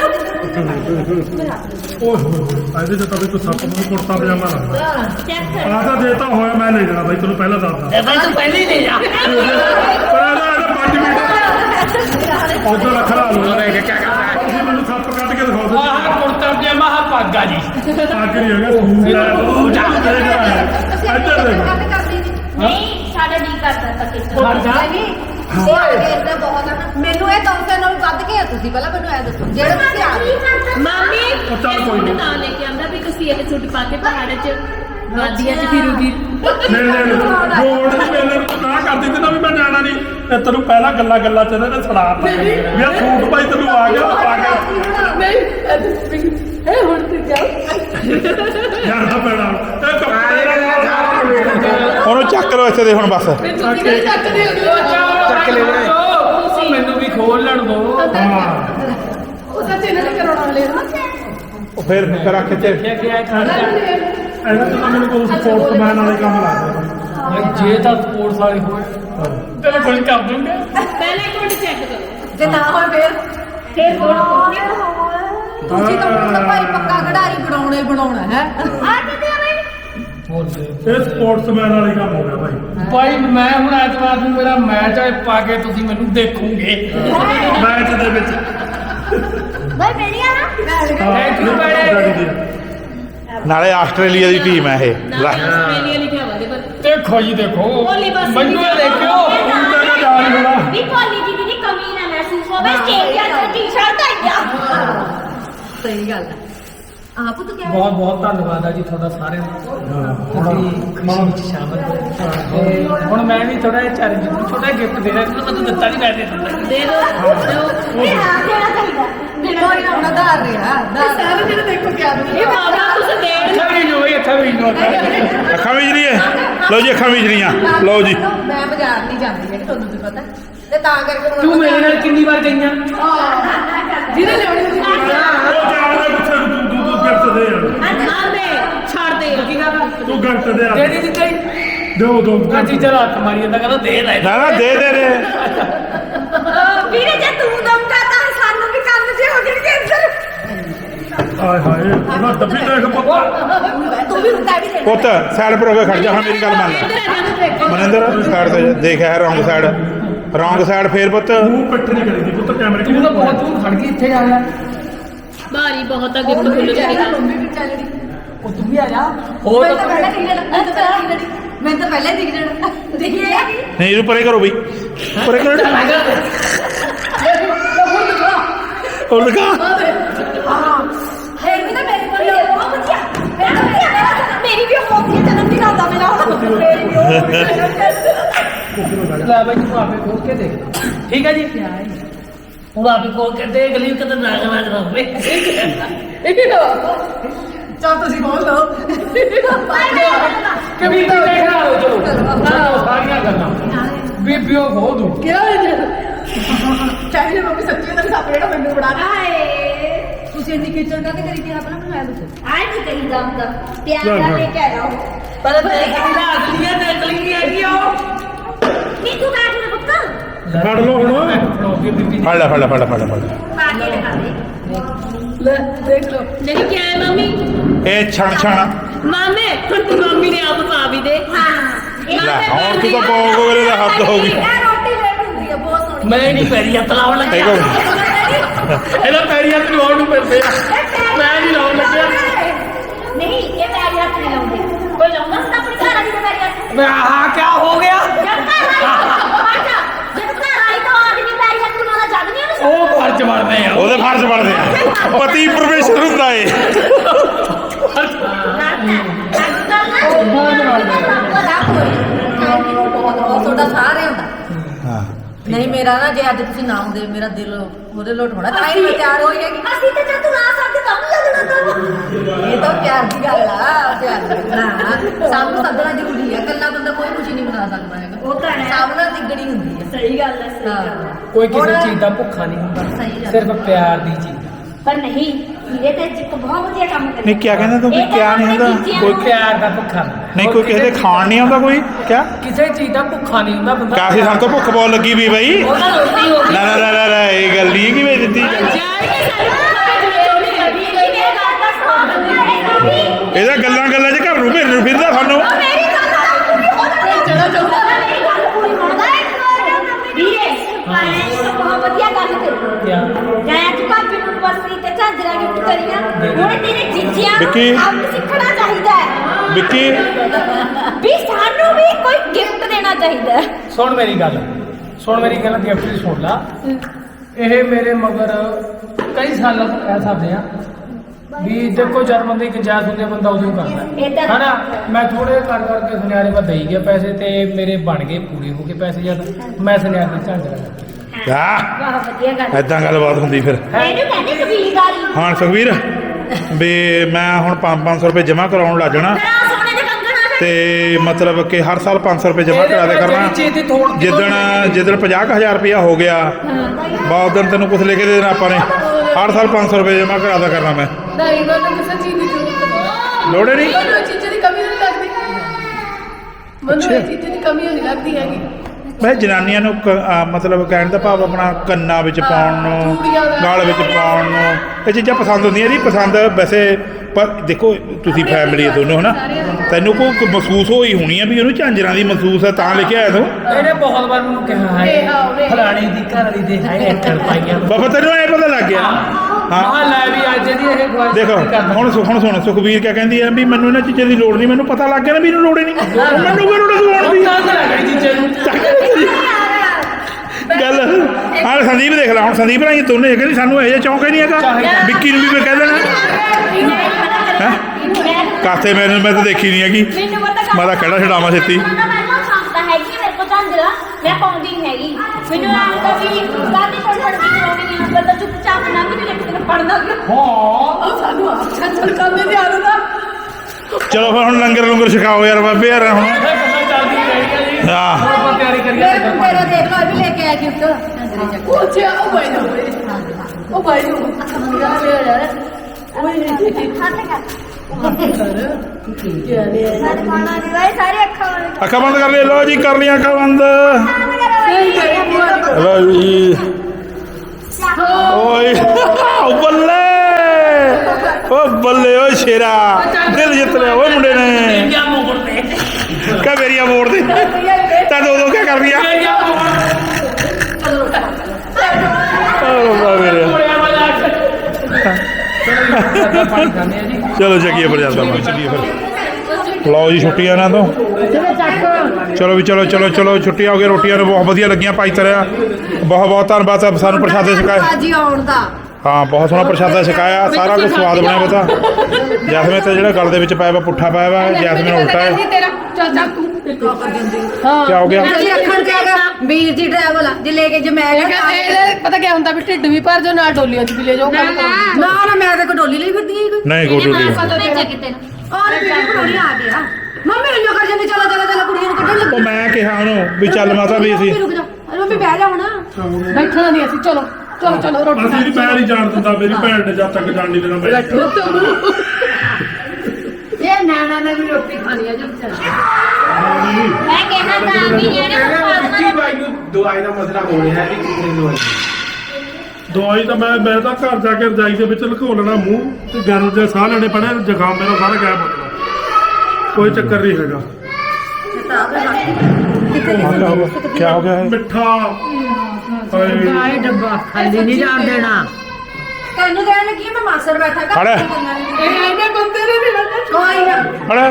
Speaker 3: ਓਏ ਹੋਏ ਹੋਏ ਇਹਦੇ ਤੇ ਤਾਂ ਵੀ ਤੂੰ ਸੱਪ ਨੂੰ ਕੁੜਤਾ ਪਜਾਮਾ ਲਾ
Speaker 2: ਚੈੱਕ ਕਰ
Speaker 3: ਆਹ ਤਾਂ ਦੇਤਾ ਹੋਇਆ ਮੈਂ ਲੈ ਜਾਣਾ ਬਾਈ ਤੈਨੂੰ ਪਹਿਲਾਂ ਦੱਸਦਾ
Speaker 4: ਬਾਈ ਤੂੰ ਪਹਿਲੇ ਹੀ ਲੈ ਜਾ
Speaker 3: ਪਰ ਇਹਦਾ ਇਹਦਾ ਪੰਜ ਮਿੰਟ ਉਧਰ ਰੱਖ ਲਾ ਲਓ
Speaker 4: ਉਹਨੇ ਕਿਆ ਕਰਦਾ ਹੈ?
Speaker 3: ਤੁਸੀਂ ਮੈਨੂੰ ਸੱਪ ਕੱਢ ਕੇ ਦਿਖਾਓ ਦਿਓ।
Speaker 4: ਆਹ ਕੁੜਤਾ ਪਜਾਮਾ ਆਹ ਪੱਗ ਆ ਜੀ
Speaker 3: ਪੱਗ ਨਹੀਂ ਹੈਗਾ ਸੂਟ ਲੈ ਲਓ ਇੱਧਰ ਦੇਖੋ
Speaker 2: ਨਹੀਂ ਸਾਡਾ ਨਹੀਂ ਕਰਦਾ ਤਾਂ ਕਿਸ
Speaker 4: ਹਟ ਜਾ
Speaker 7: ਮੈਨੂੰ ਇਹ ਤੌਂਸੇ ਨਾਲ ਵੱਧ ਕੇ ਆ ਤੁਸੀਂ ਪਹਿਲਾਂ ਮੈਨੂੰ ਇਹ ਦੱਸੋ ਜਿਹੜੇ ਤੁਸੀਂ ਆ ਗਏ
Speaker 2: ਮਾਮੀ
Speaker 3: ਉਹ ਚੱਲ ਕੋਈ ਨੀ।
Speaker 2: ਤਾਂ ਲੈ ਕੇ ਆਂਦਾ ਵੀ ਤੁਸੀਂ ਇਹ ਸੂਟ ਪਾ ਕੇ ਪਹਾੜਾਂ 'ਚ ਵਾਦੀਆਂ 'ਚ ਫਿਰੂਗੀ
Speaker 3: ਨਹੀਂ ਨਹੀਂ ਰੋਡ ਦੀ ਮੇਲੇ ਨੂੰ ਨਾ ਕਰ ਦਿੱਤੀ ਤਾਂ ਵੀ ਮੈਂ ਜਾਣਾ ਨਹੀਂ ਤੇ ਤੈਨੂੰ ਪਹਿਲਾਂ ਗੱਲਾਂ ਗੱਲਾਂ ਚ ਇਹਨੇ ਸੜਾਤਾ ਵੀ ਆਹ ਸੂਟ ਭਾਈ ਤੈਨੂੰ ਆ ਗਿਆ ਪਾ ਕੇ
Speaker 1: ਨਹੀਂ ਇਹ ਹੁਣ ਤੇ ਜਾਓ
Speaker 3: ਜਾਣਾ ਪੈਣਾ ਇਹ ਕੱਪੜੇ
Speaker 6: ਉਹਨੂੰ ਚੱਕ ਲਓ ਇੱਥੇ ਦੇ ਹੁਣ ਬਸ
Speaker 1: ਤੁਸੀਂ ਕਿਹੜੇ ਚੱਕਦੇ ਹੋ
Speaker 4: ਚੱਕ ਲੈ ਵੀਰੇ। ਉਹ ਮੈਨੂੰ ਵੀ ਖੋਲ ਲੈਣ ਦੋ
Speaker 3: ਹਾਂ
Speaker 1: ਉਹ ਸੱਚੇ ਨਾਲ ਕਰਾਉਣਾ ਵਾਲੇ ਨਾ
Speaker 6: ਉਹ ਫਿਰ ਰੱਖ ਕੇ
Speaker 4: ਕਿਆ ਕਿਆ ਖੜਦਾ
Speaker 3: ਇਹਨਾਂ ਤੋਂ ਤਾਂ ਮੈਨੂੰ ਕੋਈ ਸਪੋਰਟਸਮੈਨ ਵਾਲੇ ਕੰਮ ਲੱਗਦਾ
Speaker 4: ਜੇ ਤਾਂ ਸਪੋਰਟਸ ਵਾਲੇ ਹੋਏ ਤੈਨੂੰ ਕੋਈ ਕਰ ਦੂੰਗਾ
Speaker 2: ਪਹਿਲੇ ਕੋਡ ਚੈੱਕ ਕਰੋ
Speaker 7: ਜੇ ਨਾ ਹੋਏ ਫੇਰ
Speaker 2: ਫੇਰ ਕੋਡ
Speaker 7: ਤੁਸੀਂ ਤਾਂ ਹੁਣ ਤਾਂ ਭਾਈ ਪੱਕਾ ਖਿਡਾਰੀ ਬਣਾਉਣਾ ਹੀ ਬਣਾਉਣਾ ਹੈ
Speaker 2: ਆ ਕਿਤੇ ਆਵੇ
Speaker 4: ਬੋਲ ਦੇ
Speaker 3: ਇਹ ਸਪੋਰਟਸਮੈਨ ਵਾਲੇ ਕੰਮ ਹੋ ਗਿਆ ਭਾਈ
Speaker 4: ਭਾਈ ਮੈਂ ਹੁਣ ਐਤਵਾਰ ਨੂੰ ਮੇਰਾ ਮੈਚ ਹੈ ਪਾ ਕੇ ਤੁਸੀਂ ਮੈਨੂੰ ਦੇਖੋਗੇ
Speaker 3: ਮੈਚ ਦੇ ਵਿੱਚ
Speaker 2: ਭਾਈ ਮੇਰੀ ਆ ਨਾ
Speaker 4: ਥੈਂਕ ਯੂ ਭੈਣੇ।
Speaker 6: ਨਾਲੇ ਆਸਟ੍ਰੇਲੀਆ ਦੀ ਟੀਮ ਹੈ ਇਹ
Speaker 2: ਨਾ
Speaker 6: ਲੈ।
Speaker 2: ਆਸਟ੍ਰੇਲੀਆ ਲਿਖਿਆ ਵਾ ਦੇ ਪਰ
Speaker 4: ਦੇਖੋ ਜੀ ਦੇਖੋ
Speaker 2: ਭੋਲੀ ਬਸ
Speaker 4: ਮੈਨੂੰ ਇਹ ਦੇਖਿਓ
Speaker 3: ਹੁਣ ਤਾਂ ਇਹਦਾ ਜਾਣ ਹੀ ਹੋਣਾ
Speaker 2: ਵੀ ਭੋਲੀ ਜੀ ਦੀ ਕਮੀ ਨਾ ਮਹਿਸੂਸ ਹੋਵੇ ਸਟੇਡੀਅਮ ਤੇ ਟੀ-ਸ਼ਰਟ ਆਈਆ
Speaker 7: ਸਹੀ ਗੱਲ ਹੈ ਆ ਪੁੱਤ ਕਿਆ
Speaker 4: ਬਹੁਤ ਬਹੁਤ ਧੰਨਵਾਦ ਆ ਜੀ ਤੁਹਾਡਾ ਸਾਰਿਆਂ ਦਾ ਤੁਸੀਂ ਖੁਸ਼ੀ ਵਿੱਚ ਸ਼ਾਮਲ ਹੋਏ ਤੇ ਹੁਣ ਮੈਂ ਵੀ ਥੋੜਾ ਜਿਹਾ ਚੈਲੰਜ ਨੂੰ ਛੋਟਾ ਗਿਫਟ ਦੇਣਾ ਸੀ ਮੈਨੂੰ ਦਿੱਤਾ ਨਹੀਂ ਮੈਂ ਦੇ ਦਿੰਦਾ
Speaker 2: ਦੇ ਦੋ ਦਿਓ ਇਹ ਆ ਦੇਣਾ ਚਾਹੀਦਾ
Speaker 7: ਕੋਈ ਨਾ ਹੁਣ ਆਧਾਰ ਰਿਹਾ ਆਧਾਰ
Speaker 1: ਸਾਰੇ ਜਿਹੜੇ ਦੇਖੋ ਕਿਆ ਦੂੰਗੀ
Speaker 2: ਇਹ ਮਾਮਲਾ ਤੁਸੀਂ ਦੇਣ
Speaker 4: ਅੱਛਾ ਵੀ ਜੋ ਅੱਛਾ ਵੀ ਨੋ
Speaker 6: ਅੱਖਾਂ ਵਿੱਚ ਰਹੀ ਹੈ ਲਓ ਜੀ ਅੱਖਾਂ ਵਿੱਚ ਰਹੀਆਂ ਲਓ ਜੀ
Speaker 7: ਮੈਂ ਬਾਜ਼ਾਰ ਨਹੀਂ ਜਾਂਦੀ ਹੈ ਤੁਹਾਨੂੰ ਵੀ ਪਤਾ ਤੇ ਤਾਂ ਕਰਕੇ ਹੁਣ
Speaker 4: ਤੂੰ ਮੇਰੇ ਨਾਲ ਕਿੰਨੀ ਵਾਰ ਗਈਆਂ
Speaker 1: ਜਿਹਨੇ ਲਿਆਉਣੀ ਤੁਸੀਂ
Speaker 3: ਉਹ ਜਾਣਦਾ ਕੁਛ ਤੂੰ ਤੂੰ ਤੂੰ ਗਿਫਟ ਦੇ ਯਾਰ
Speaker 2: ਨਾ ਦੇ ਛੱਡ ਦੇ
Speaker 4: ਕੀ ਕਰਦਾ
Speaker 3: ਤੂੰ ਗਿਫਟ ਦੇ
Speaker 4: ਦੇ
Speaker 3: ਯਾਰ
Speaker 4: ਦੀ ਦਿੱਤਾ ਹੀ
Speaker 3: ਦੋ ਦੋ
Speaker 4: ਕਾਜੀ ਚਲਾ ਹੱਥ ਮਾਰੀ ਜਾਂਦਾ ਕਹਿੰਦਾ ਦੇ ਲੈ
Speaker 6: ਨਾ ਨਾ ਦੇ ਦੇ ਰੇ
Speaker 2: ਵੀਰੇ ਜੇ ਤੂੰ ਦਮਕਾ ਤਾਂ ਸਾਨੂੰ ਵੀ ਕੰਮ ਜੇ ਹੋ ਜਾਣਗੇ ਇੱਧਰ
Speaker 3: ਹਾਏ ਹਾਏ ਉਹਦਾ ਡੱਬੀ ਦੇਖ ਪੱਪਾ
Speaker 7: ਤੂੰ ਵੀ ਹੁੰਦਾ ਵੀ ਦੇਣਾ
Speaker 6: ਪੁੱਤ ਸਾਈਡ ਪਰ ਹੋ ਕੇ ਖੜ ਜਾ ਹੁਣ ਮੇਰੀ ਗੱਲ ਮੰਨ ਲੈ ਮਨਿੰਦਰ ਸਾਈਡ ਤੇ ਦੇਖ ਹੈ ਰੌਂਗ ਸਾਈਡ ਰੌਂਗ ਸਾਈਡ ਫੇਰ ਪੁੱਤ
Speaker 3: ਮੂੰਹ ਪਿੱਠ ਨਹੀਂ ਕਰੀਦੀ ਪੁੱਤ ਕੈਮਰੇ
Speaker 4: ਤੂੰ ਤਾਂ ਬਹੁਤ ਦੂਰ ਖੜ ਗਈ ਇੱਥੇ ਆ ਜਾ
Speaker 2: ਭਾਰੀ ਬਹੁਤ ਆ ਗਿਫਟ ਖੁੱਲ ਜਾਏਗਾ
Speaker 7: ਮੰਮੀ ਵੀ ਚੱਲ ਰਹੀ
Speaker 4: ਉਹ ਤੂੰ ਵੀ ਆ ਜਾ ਹੋਰ
Speaker 7: ਮੈਂ ਤਾਂ ਪਹਿਲਾਂ ਦਿਖ ਜਾਣਾ ਮੈਂ ਤਾਂ ਪਹਿਲਾਂ ਦਿਖ ਜਾਣਾ ਮੈਂ ਤਾਂ ਪਹਿਲਾਂ ਦਿਖ ਜਾਣਾ ਦਿਖਿਆ
Speaker 6: ਨਹੀਂ ਇਹਨੂੰ ਪਰੇ ਕਰੋ ਬਈ ਪਰੇ ਕਰੋ ਉਹ ਲਗਾ
Speaker 7: ਹਾਂ ਫੇਰ ਵੀ ਨਾ ਮੇਰੇ ਕੋਲ ਬਹੁਤ ਵਧੀਆ ਮੇਰੀ ਵੀ ਹੋ ਗਈ ਜਨਮ ਦਿਨ ਆਉਂਦਾ ਮੇਰਾ
Speaker 4: ਲੈ ਬਾਈ ਤੂੰ ਆਪੇ ਖੋਲ ਕੇ ਦੇਖ ਠੀਕ ਹੈ ਜੀ ਹੁਣ ਆਪੇ ਖੋਲ ਕੇ ਦੇਖ ਲਈ ਕਿਤੇ ਨਾਗ ਨਾਗ ਨਾ ਹੋਵੇ
Speaker 7: ਚਲ ਤੁਸੀਂ ਬੋਲ ਲਓ
Speaker 4: ਕਬੀਰ ਦੀ ਦੇਖ ਲਾ ਲਓ ਚਲੋ ਚਲੋ ਸਾਰੀਆਂ ਗੱਲਾਂ ਬੀਬੀਓ ਖੋ ਦੂ
Speaker 1: ਕਿਆ ਹੈ ਜੀ ਚਾਹੀਏ ਮੰਮੀ ਸੱਚੀ ਦਾ ਸੱਪ ਜਿਹੜਾ ਮੈਨੂੰ ਬਣਾ ਦੇ
Speaker 2: ਹਾਏ
Speaker 7: ਤੁਸੀਂ ਇੰਨੀ ਕਿਚਨ ਕਾਹਦੇ ਕਰੀ ਕਿ ਆਪਣਾ ਬਣਾ ਲਓ
Speaker 2: ਆਏ ਨਹੀਂ ਕਰੀ ਦਮ ਦਾ ਪਿਆਰ ਨਾਲ ਲੈ ਕੇ ਆ ਜਾਓ
Speaker 4: ਪਰ ਦੇਖ ਲਾ ਅਸਲੀਆਂ ਨਕਲੀ ਨਹੀਂ ਹੈਗੀ ਉਹ
Speaker 2: ਕੀ ਤੂੰ ਬੈਠ ਨਾ ਪੁੱਤ
Speaker 3: ਫੜ ਲਓ ਹੁਣ
Speaker 4: ਫੜੋਗੇ ਬੀਬੀ
Speaker 6: ਫੜ ਲੈ ਫੜ ਲੈ ਫੜ ਲੈ ਫੜ ਲੈ ਫੜ ਲੈ
Speaker 2: ਪਾ ਕੇ ਦਿਖਾ ਦੇ
Speaker 1: ਲੈ ਦੇਖ ਲਓ
Speaker 2: ਨਹੀਂ ਕੀ ਹੈ ਮੰਮੀ
Speaker 6: ਇਹ ਛਣ ਛਣ
Speaker 2: ਮਾਮੇ ਹੁਣ ਤੂੰ ਮੰਮੀ ਨੇ ਆਪ ਪਾ ਵੀ ਦੇ ਹਾਂ
Speaker 6: ਲੈ ਹੁਣ ਤੂੰ ਤਾਂ ਬਹੁਤ ਗੋਰੇ ਦਾ ਹੱਦ ਹੋ ਗਈ
Speaker 7: ਇਹ ਰੋਟੀ ਲੇਟ ਹੁੰਦੀ ਹੈ ਬਹੁਤ ਸੋਹਣੀ
Speaker 4: ਮੈਂ ਨਹੀਂ ਪੈਰੀ ਹੱਥ ਲਾਉਣ
Speaker 6: ਇਹ
Speaker 4: ਲੱਗਿਆ
Speaker 6: ਕੋ
Speaker 4: ਇਹਦਾ ਪੈਰੀ ਹੱਥ ਲਾਉਣ ਨੂੰ ਪੈਂਦੇ ਆ ਮੈਂ ਨਹੀਂ ਲਾਉਣ ਲੱਗਿਆ
Speaker 2: ਨਹੀਂ ਇਹ ਪੈਰੀ ਹੱਥ ਨਹੀਂ ਲਾਉਂਦੇ ਕੋਈ ਲਾਉਂਦਾ ਸੀ ਆਪਣੀ ਘਰ ਵਾਲੀ ਦੇ ਪੈਰੀ ਹੱਥ
Speaker 4: ਮੈਂ ਆਹ ਕੀ ਹੋ ਗਿਆ
Speaker 2: ਜਦ ਘਰ ਆਈ ਜਦ ਘਰ ਆਈ ਤਾਂ ਆਦਮੀ ਪੈਰੀ ਹੱਥ ਲਾਉਣਾ ਜਦ ਨਹੀਂ ਉਹਨੂੰ
Speaker 4: ਉਹ ਫਰਜ਼ ਬਣਦੇ ਆ
Speaker 6: ਉਹਦੇ ਫਰਜ਼ ਬਣਦੇ ਆ ਪਤੀ ਪਰਮੇਸ਼ਰ ਹੁੰਦਾ ਏ
Speaker 7: ਬਹੁਤ ਬਹੁਤ ਤੁਹਾਡਾ ਸਾਰਿਆਂ ਦਾ
Speaker 6: ਹਾਂ
Speaker 7: ਨਹੀਂ ਮੇਰਾ ਨਾ ਜੇ ਅੱਜ ਤੁਸੀਂ ਨਾ ਆਉਂਦੇ ਮੇਰਾ ਦਿਲ ਉਹਦੇ ਲੋਟ ਹੋਣਾ ਤਾਂ ਹੀ ਮੈਂ ਤਿਆਰ ਹੋਈ ਹੈਗੀ
Speaker 2: ਅਸੀਂ ਤਾਂ ਜਦ ਤੂੰ ਨਾ ਸਾਡੇ ਕੰਮ ਲੱਗਣਾ
Speaker 7: ਇਹ ਤਾਂ ਪਿਆਰ ਦੀ ਗੱਲ ਆ ਪਿਆਰ ਦੀ ਨਾ ਸਭ ਨੂੰ ਸੱਦਣਾ ਜ਼ਰੂਰੀ ਹੈ ਇਕੱਲਾ ਬੰਦਾ ਕੋਈ ਖੁਸ਼ੀ ਨਹੀਂ ਮਨਾ ਸਕਦਾ ਹੈਗਾ
Speaker 2: ਉਹ ਤਾਂ ਹੈ।
Speaker 7: ਸਭ ਨਾਲ ਤਿੱਗਣੀ ਹੁੰਦੀ ਹੈ
Speaker 2: ਸਹੀ ਗੱਲ ਹੈ ਸਹੀ ਗੱਲ ਹੈ
Speaker 4: ਕੋਈ ਕਿਸੇ
Speaker 7: ਹੁਣ-
Speaker 4: ਚੀਜ਼ ਦਾ ਭੁੱਖਾ ਨਹੀਂ ਹੁੰਦਾ
Speaker 7: ਸਹੀ ਗੱਲ।
Speaker 4: ਸਿਰਫ ਪਿਆਰ ਦੀ ਚੀਜ਼
Speaker 2: ਪਰ ਨਹੀਂ ਇਹਦੇ ਤੇ ਇੱਕ ਬਹੁਤ ਵਧੀਆ ਕੰਮ ਕਰਿਆ
Speaker 6: ਨਹੀਂ ਕਿਆ ਕਹਿੰਦਾ ਤੂੰ ਵੀ
Speaker 2: ਇਹ ਤਾਂ
Speaker 6: ਕਿਆ ਨਹੀਂ
Speaker 2: ਆਪਣੇ
Speaker 6: ਹੁੰਦਾ
Speaker 2: ਜੀਜਿਆਂ
Speaker 4: ਕੋਈ
Speaker 2: ਨੂੰ-
Speaker 4: ਪਿਆਰ ਦਾ ਭੁੱਖਾ ਨਹੀਂ
Speaker 6: ਨਹੀਂ
Speaker 4: ਹੋਰ
Speaker 6: ਕੋਈ ਕਿਸੇ ਦੇ ਖਾਣ ਨਹੀਂ ਆਉਂਦਾ ਕੋਈ ਕਿਆ
Speaker 4: ਕਿਸੇ ਚੀਜ਼ ਦਾ ਭੁੱਖਾ ਨਹੀਂ ਹੁੰਦਾ ਬੰਦਾ
Speaker 6: ਕਾਫੀ ਸਾਨੂੰ ਤਾਂ ਭੁੱਖ ਬਹੁਤ ਲੱਗੀ ਵੀ ਬਈ
Speaker 2: ਉਹ ਤਾਂ ਰੋਟੀ ਹੋ ਗਈ
Speaker 6: ਨਾ ਨਾ ਨਾ ਨਾ ਨਾ, ਇਹ ਗੱਲ ਨਹੀਂ ਕਿਵੇਂ ਦਿੱਤੀ
Speaker 2: ਜਾਣ ਕੇ ਸਾਡੇ ਕੋਲ ਕਰਦੀ ਹੈ ਇਹ ਗੱਲ ਦਾ ਸਵਾਦ ਨਹੀਂ
Speaker 6: ਇਹਦਾ ਗੱਲਾਂ ਗੱਲਾਂ 'ਚ ਘਰ ਨੂੰ ਭੇਜ ਨੂੰ ਫਿਰਦਾ ਸਾਨੂੰ
Speaker 2: ਮੇਰੀ ਗੱਲ ਦਾ ਚਲੋ ਚਲੋ ਮੇਰੀ ਗੱਲ ਪੂਰੀ ਹੋਣਾ ਵੀਰੇ ਪਾਣੀ ਤੋਂ ਬਹੁਤ
Speaker 7: ਹੁਣ ਤੇਰੇ ਜੀਜਿਆਂ
Speaker 6: ਵਿੱਕੀ।
Speaker 7: ਨੂੰ ਕੰਮ ਸਿੱਖਣਾ ਚਾਹੀਦਾ ਹੈ
Speaker 6: ਵਿੱਕੀ
Speaker 7: ਵੀ ਸਾਨੂੰ ਵੀ ਕੋਈ ਗਿਫਟ ਦੇਣਾ ਚਾਹੀਦਾ ਹੈ।
Speaker 4: ਸੁਣ ਮੇਰੀ ਗੱਲ ਸੁਣ ਮੇਰੀ ਗੱਲ ਗਿਫਟ ਦੀ ਸੁਣ ਲਾ ਇਹ ਮੇਰੇ ਮਗਰ ਕਈ ਸਾਲਾਂ ਤੋਂ ਕਹਿ ਸਕਦੇ ਆ ਵੀ ਦੇਖੋ ਜਦ ਬੰਦੇ ਦੀ ਗੁੰਜਾਇਸ਼ ਹੁੰਦੀ ਆ ਬੰਦਾ ਉਦੋਂ ਹੀ
Speaker 7: ਇਹ
Speaker 4: ਕਰਦਾ
Speaker 7: ਤਾਂ-
Speaker 4: ਹਨਾ ਮੈਂ ਥੋੜੇ ਕਰ ਕਰਕੇ ਸੁਨਿਆਰੇ ਮੈਂ ਦੇਈ ਗਿਆ ਪੈਸੇ ਤੇ ਮੇਰੇ ਬਣ ਗਏ ਪੂਰੇ ਹੋ ਗਏ ਪੈਸੇ ਜਦ ਮੈਂ ਸੁਨਿਆਰੇ ਦੀ ਝਾਂਜਰਾ ਕਰਦਾ
Speaker 6: ਆ
Speaker 7: ਵਾਹ ਵਧੀਆ ਗੱਲ
Speaker 6: ਐਦਾਂ ਗੱਲਬਾਤ ਹੁੰਦੀ ਫਿਰ
Speaker 7: ਇਹਨੂੰ ਕਹਿੰਦੇ ਕਬੀਲਦਾਰੀ।
Speaker 6: ਹਾਂ ਸੁਖਵੀਰ ਵੀ ਮੈਂ ਹੁਣ ਪੰਜ ਪੰਜ ਸੌ ਰੁਪਏ ਜਮ੍ਹਾਂ ਕਰਾਉਣ ਲੱਗ ਜਾਣਾ
Speaker 7: ਫਿਰ ਆਹ ਸੋਨੇ ਦੇ ਕੰਗਣ ਆ
Speaker 6: ਤੇ ਮਤਲਬ ਕਿ ਹਰ ਸਾਲ ਪੰਜ ਸੌ ਰੁਪਏ ਜਮ੍ਹਾਂ ਕਰਾ ਦੇ ਕਰਨਾ
Speaker 4: ਚੀਜ਼ ਦੀ ਥੋੜ
Speaker 6: ਜਿੱਦਣ ਜਿੱਦਣ ਪੰਜਾਹ ਕੁ ਹਜ਼ਾਰ ਰੁਪਇਆ ਹੋ ਗਿਆ ਬਾਅਦ ਦਿਨ ਤੈਨੂੰ ਕੁਝ ਲੈ ਕੇ ਦੇ ਦੇਣਾ ਆਪਾਂ ਨੇ ਹਰ ਸਾਲ ਪੰਜ ਸੌ ਰੁਪਏ ਜਮ੍ਹਾਂ ਕਰਾ ਦਿਆ ਕਰਨਾ ਮੈਂ
Speaker 1: ਨਹੀਂ ਮੈਨੂੰ ਕਿਸੇ ਚੀਜ਼ ਦੀ ਜ਼ਰੂਰਤ ਨਹੀਂ
Speaker 6: ਲੋੜ ਹੀ ਨਹੀਂ
Speaker 1: ਮੈਨੂੰ ਇਹ ਚੀਜ਼ਾਂ ਦੀ ਕਮੀ ਨਹੀਂ ਲੱਗਦੀ ਮੈਨੂੰ ਇਹ ਚੀਜ਼ਾਂ ਦੀ ਕਮੀ ਨਹੀਂ ਲੱਗਦੀ ਹੈਗੀ
Speaker 6: ਮੈਂ ਜਨਾਨੀਆਂ ਨੂੰ ਕ- ਆ, ਮਤਲਬ ਕਹਿਣ ਦਾ ਭਾਵ ਆਪਣਾ ਕੰਨਾਂ ਵਿੱਚ ਪਾਉਣ ਨੂੰ
Speaker 1: ਚੂੜੀਆਂ ਦਾ-
Speaker 6: ਗਾਲ ਵਿੱਚ ਪਾਉਣ ਨੂੰ ਇਹ ਚੀਜ਼ਾਂ ਪਸੰਦ ਹੁੰਦੀਆਂ ਜੀ ਪਸੰਦ ਵੈਸੇ ਪਰ ਦੇਖੋ ਤੁਸੀਂ ਫੈਮਿਲੀ ਦੋਨੋਂ ਹਨਾ ਤੈਨੂੰ ਕੋਈ ਮਹਿਸੂਸ ਹੋਈ ਹੋਣੀ ਆ ਵੀ ਉਹਨੂੰ ਝਾਂਜਰਾਂ ਦੀ ਮਹਿਸੂਸ ਹੈ ਤਾਂ ਲੈ ਕੇ ਆਇਆ ਤੂੰ
Speaker 4: ਇਹਨੇ ਬਹੁਤ ਵਾਰ ਮੈਨੂੰ ਕਿਹਾ
Speaker 1: ਇਹ ਹਾਂ, ਉਹਨੇ-
Speaker 4: ਹੈ ਫਲਾਣੀ ਦੀ ਘਰ ਵਾਲੀ ਦੇ ਹੈ ਐਕਟਰ ਪਾਈਆਂ
Speaker 6: ਬਾਬਾ ਤੈਨੂੰ ਐ ਪਤਾ ਲੱਗ ਗਿਆ
Speaker 4: ਹਾਂ
Speaker 6: ਹਾਂ
Speaker 4: ਲੈ ਵੀ ਅੱਜ ਦੀ ਇਹ ਖੁਆਇਸ਼
Speaker 6: ਦੇਖੋ
Speaker 4: ਪੂਰੀ ਕਰਨਾ।
Speaker 6: ਹੁਣ ਸੁ- ਹੁਣ ਸੁਣ ਸੁਖਵੀਰ ਕਿਆ ਕਹਿੰਦੀ ਆ ਵੀ ਮੈਨੂੰ ਇਹਨਾਂ ਚੀਜ਼ਾਂ ਦੀ ਲੋੜ ਨਹੀਂ ਮੈਨੂੰ ਪਤਾ ਲੱਗ ਗਿਆ ਨਾ ਵੀ ਇਹਨੂੰ ਲੋੜ ਹੀ ਨਹੀਂ ਮੈਨੂੰ ਕਿਹਨੂੰ ਲੋੜ ਦੀ
Speaker 4: ਤਾਂ ਲੱਗ ਰਹੀ ਚੀਜ਼ਾਂ ਨੂੰ
Speaker 6: ਗੱਲ ਹਾਂ ਸੰਦੀਪ ਦੇਖ ਲੈ ਹੁਣ ਸੰਦੀਪ ਰਾਹੀਂ ਦੋਨੇ ਕਹਿੰਦੀ ਸਾਨੂੰ ਇਹ ਜਿਹਾ ਚੌਂਕ ਹੀ ਨਹੀਂ ਹੈਗਾ ਵਿੱਕੀ ਨੂੰ ਵੀ ਮੈਂ ਕਹਿ ਦੇਣਾ ਹੈਂ? ਕਾਥੇ ਮੈਨੂੰ ਮੈਂ ਤਾਂ ਦੇਖੀ ਨਹੀਂ ਹੈਗੀ
Speaker 7: ਮੈਨੂੰ ਪਤਾ
Speaker 6: ਮੈਂ ਤਾਂ ਕਿਹੜਾ ਛਡਾਵਾਂ ਛੇਤੀ
Speaker 7: ਮੈਨੂੰ ਸ਼ੌਂਕ ਹੈਗੀ ਮੇਰੇ ਕੋਲ ਝਾਂਜਰਾ ਮੈਂ ਪਾਉਂਦੀ ਨਹੀਂ ਹੈਗੀ ਮੈਨੂੰ ਐਂ ਤਾਂ ਵੀ ਦਾਦੀ ਪੜ ਪੜ ਕੇ ਕਰਾਉਣੀ ਹੈ ਬੰਦਾ ਚੁੱਪਚਾਪ ਨਾ ਕਿ ਇੱਕ ਦਿਨ ਪੜਨਾ
Speaker 4: ਹਾਂ
Speaker 1: ਉਹ ਸਾਨੂੰ ਆਪ ਛੱਡ ਕਰਦੇ ਤੇ ਆਉਂਦਾ
Speaker 6: ਚਲੋ ਫਿਰ ਹੁਣ ਲੰਗਰ ਲੰਗਰ ਛਕਾਓ ਯਾਰ ਬਾਬੇ ਯਾਰ ਹੁਣ
Speaker 4: ਇਹ ਗੱਲਾਂ ਚੱਲਦੀ ਰਹੇਗੀ ਜੀ
Speaker 6: ਹਾਂ
Speaker 4: ਹੁਣ ਆਪਾਂ ਤਿਆਰੀ ਕਰੀਏ
Speaker 7: ਤੇਰਾ ਦੇਖ ਲਓ ਇਹ ਵੀ ਲੈ ਕੇ ਆਇਆ ਗਿਫਟ ਝਾਂਜਰੇ ਚੱਕ
Speaker 1: ਉਹ ਚਾ ਉਹ ਬਾਈ ਨੂੰ ਉਹ ਬਾਈ ਨੂੰ ਯਾਰ ਯਾਰ ਓਏ
Speaker 7: ਹੱਥ ਕਰ ਸਾਰੇ ਖਾਣਾ ਦੀ ਵਾਈ ਸਾਰੇ ਅੱਖਾਂ ਵਾਲੇ
Speaker 6: ਅੱਖਾਂ ਬੰਦ ਕਰ ਲਿਓ ਲੋ ਜੀ ਕਰ ਲਿਆ ਅੱਖਾਂ ਬੰਦ ਲੋ ਜੀ ਓਏ ਓ ਬੱਲੇ ਓ ਬੱਲੇ ਓ ਸ਼ੇਰਾ ਦਿਲ ਜਿੱਤ ਲਿਆ ਓਏ ਮੁੰਡੇ ਨੇ
Speaker 4: ਕਿਆ ਮੋੜ ਤੇ
Speaker 6: ਕਾ ਮੇਰੀਆਂ ਮੋੜ ਦੇ ਤਾਂ ਦੋ ਦੋ ਕਿਆ ਕਰ ਲਿਆ
Speaker 4: ਕਿਆ ਮੋੜ
Speaker 6: ਓ ਬਾਬੇ
Speaker 4: ਮੋੜਿਆ ਵਾਲਾ ਚਲੋ ਪਾਣੀ ਖਾਣੇ ਆ ਜੀ
Speaker 6: ਚਲੋ ਜਗੀਏ ਫਿਰ ਜਾਂਦਾ ਮੈਂ ਚਲੀਏ ਫਿਰ ਲਓ ਜੀ ਛੁੱਟੀਆਂ ਨਾ ਤੋਂ ਚਲੋ ਵੀ ਚਲੋ ਚਲੋ ਚਲੋ ਛੁੱਟੀਆਂ ਹੋ ਗਈਆਂ ਰੋਟੀਆਂ ਨੂੰ ਬਹੁਤ ਵਧੀਆ ਲੱਗੀਆਂ ਭਾਈ ਤਰਿਆ ਬਹੁਤ ਬਹੁਤ ਧੰਨਵਾਦ ਸਾਹਿਬ ਸਾਨੂੰ ਪ੍ਰਸ਼ਾਦੇ ਛਕਾਏ
Speaker 7: ਜੀ ਆਉਣ ਦਾ
Speaker 6: ਹਾਂ ਬਹੁਤ ਸੋਹਣਾ ਪ੍ਰਸ਼ਾਦਾ ਛਕਾਇਆ ਸਾਰਾ ਕੁਝ ਸਵਾਦ ਬਣਿਆ ਪਤਾ ਜੈਸਮੀਨ ਤੇ ਜਿਹੜਾ ਗਲ ਦੇ ਵਿੱਚ ਪਾਇਆ ਵਾ ਪੁੱਠਾ ਪਾਇਆ ਵਾ ਜੈਸਮੀਨ ਉਲਟਾ ਹੈ
Speaker 1: ਤੇਰਾ ਚੱਲ ਚੱਲ ਤੂੰ
Speaker 6: ਕੀ ਹੋ ਗਿਆ
Speaker 7: ਜੀ ਰੱਖਣ ਤੇ ਹੈਗਾ ਵੀਰ ਜੀ ਡਰਾਈਵਰ ਜੇ ਲੈ ਕੇ ਜੇ ਮੈਂ
Speaker 1: ਇਹਦੇ ਪਤਾ ਕੀ ਹੁੰਦਾ ਵੀ ਢਿੱਡ ਵੀ ਭਰ ਜਾਓ ਨਾਲ ਡੋਲੀਆਂ ਚ ਵੀ ਲੈ ਜਾਓ ਕੰਮ ਕਰੋ
Speaker 7: ਨਾ ਨਾ ਮੈਂ ਤਾਂ ਡੋਲੀ ਲਈ ਫਿਰਦੀ ਹਾਂ
Speaker 6: ਨਹੀਂ ਗੋਡੂ ਦੀ
Speaker 1: ਪਤਾ ਤੇਰਾ
Speaker 7: ਔਰ ਮੇਰੇ ਕੋਲ ਆ ਗਿਆ ਮੰਮੀ ਨੂੰ ਕਰ ਜਾਂਦੀ ਚਲੋ ਚਲੋ ਚਲੋ ਕੁੜੀਆਂ ਨੂੰ ਕੱਢਣ
Speaker 6: ਉਹ
Speaker 7: ਲੱਗੀ
Speaker 6: ਮੈਂ ਕਿਹਾ ਉਹਨੂੰ ਵੀ ਚੱਲ ਮਾਤਾ ਵੀ ਅਸੀਂ
Speaker 7: ਰੁਕ ਜਾ ਮੰਮੀ ਬਹਿ ਜਾ ਹੁਣ
Speaker 1: ਬੈਠਣਾ ਨਹੀਂ ਅਸੀਂ ਚਲੋ ਚਲੋ ਚਲੋ ਰੋਟੀ
Speaker 3: ਅਸੀਂ ਮੈਂ ਨਹੀਂ ਜਾਣ ਦਿੰਦਾ ਮੇਰੀ ਭੈਣ ਨੇ ਜਦ ਤੱਕ ਜਾਣ ਨਹੀਂ ਦੇਣਾ ਮੈਂ
Speaker 1: ਇਹ ਨਾਨਾ ਨੇ ਵੀ ਰੋਟੀ ਖਾਣੀ ਆ ਜਦ ਚੱਲ
Speaker 7: ਮੈਂ ਕਹਿਣਾ ਤਾਂ ਵੀ ਜਿਹੜੇ
Speaker 8: ਭਾਈ ਨੂੰ ਦਵਾਈ ਦਾ ਮਸਲਾ ਹੋ ਰਿਹਾ ਹੈ ਕਿ ਕਿੰਨੇ ਦਵਾਈ
Speaker 3: ਦਵਾਈ ਤਾਂ ਮੈਂ ਮੈਂ ਤਾਂ ਘਰ ਜਾ ਕੇ ਰਜਾਈ ਦੇ ਵਿੱਚ ਲੁਕੋ ਲੈਣਾ ਮੂੰਹ ਤੇ ਗਰਮ ਦੇ ਸਾਹ ਲੈਣੇ ਪੜੇ ਜ਼ੁਕਾਮ ਮੇਰਾ ਸਾਰਾ ਗਾਇਬ ਹੋ ਜਾਣਾ ਕੋਈ ਚੱਕਰ ਨਹੀਂ ਹੈਗਾ
Speaker 6: ਕੀ ਹੋ ਗਿਆ ਹੈ
Speaker 3: ਮਿੱਠਾ ਹਾਏ
Speaker 5: ਆਏ ਡੱਬਾ ਖਾਲੀ ਨਹੀਂ ਜਾਣ ਦੇਣਾ
Speaker 7: ਤੈਨੂੰ ਕਹਿਣ ਲੱਗੀ ਮੈਂ ਮਾਸਰ ਬੈਠਾ ਕਰ
Speaker 6: ਖੜਾ।
Speaker 1: ਇਹ ਇਹਨੇ ਬੰਦੇ ਨੇ ਵੀ ਲੱਗਣਾ
Speaker 7: ਕੋਈ ਨਾ
Speaker 6: ਹੜਾ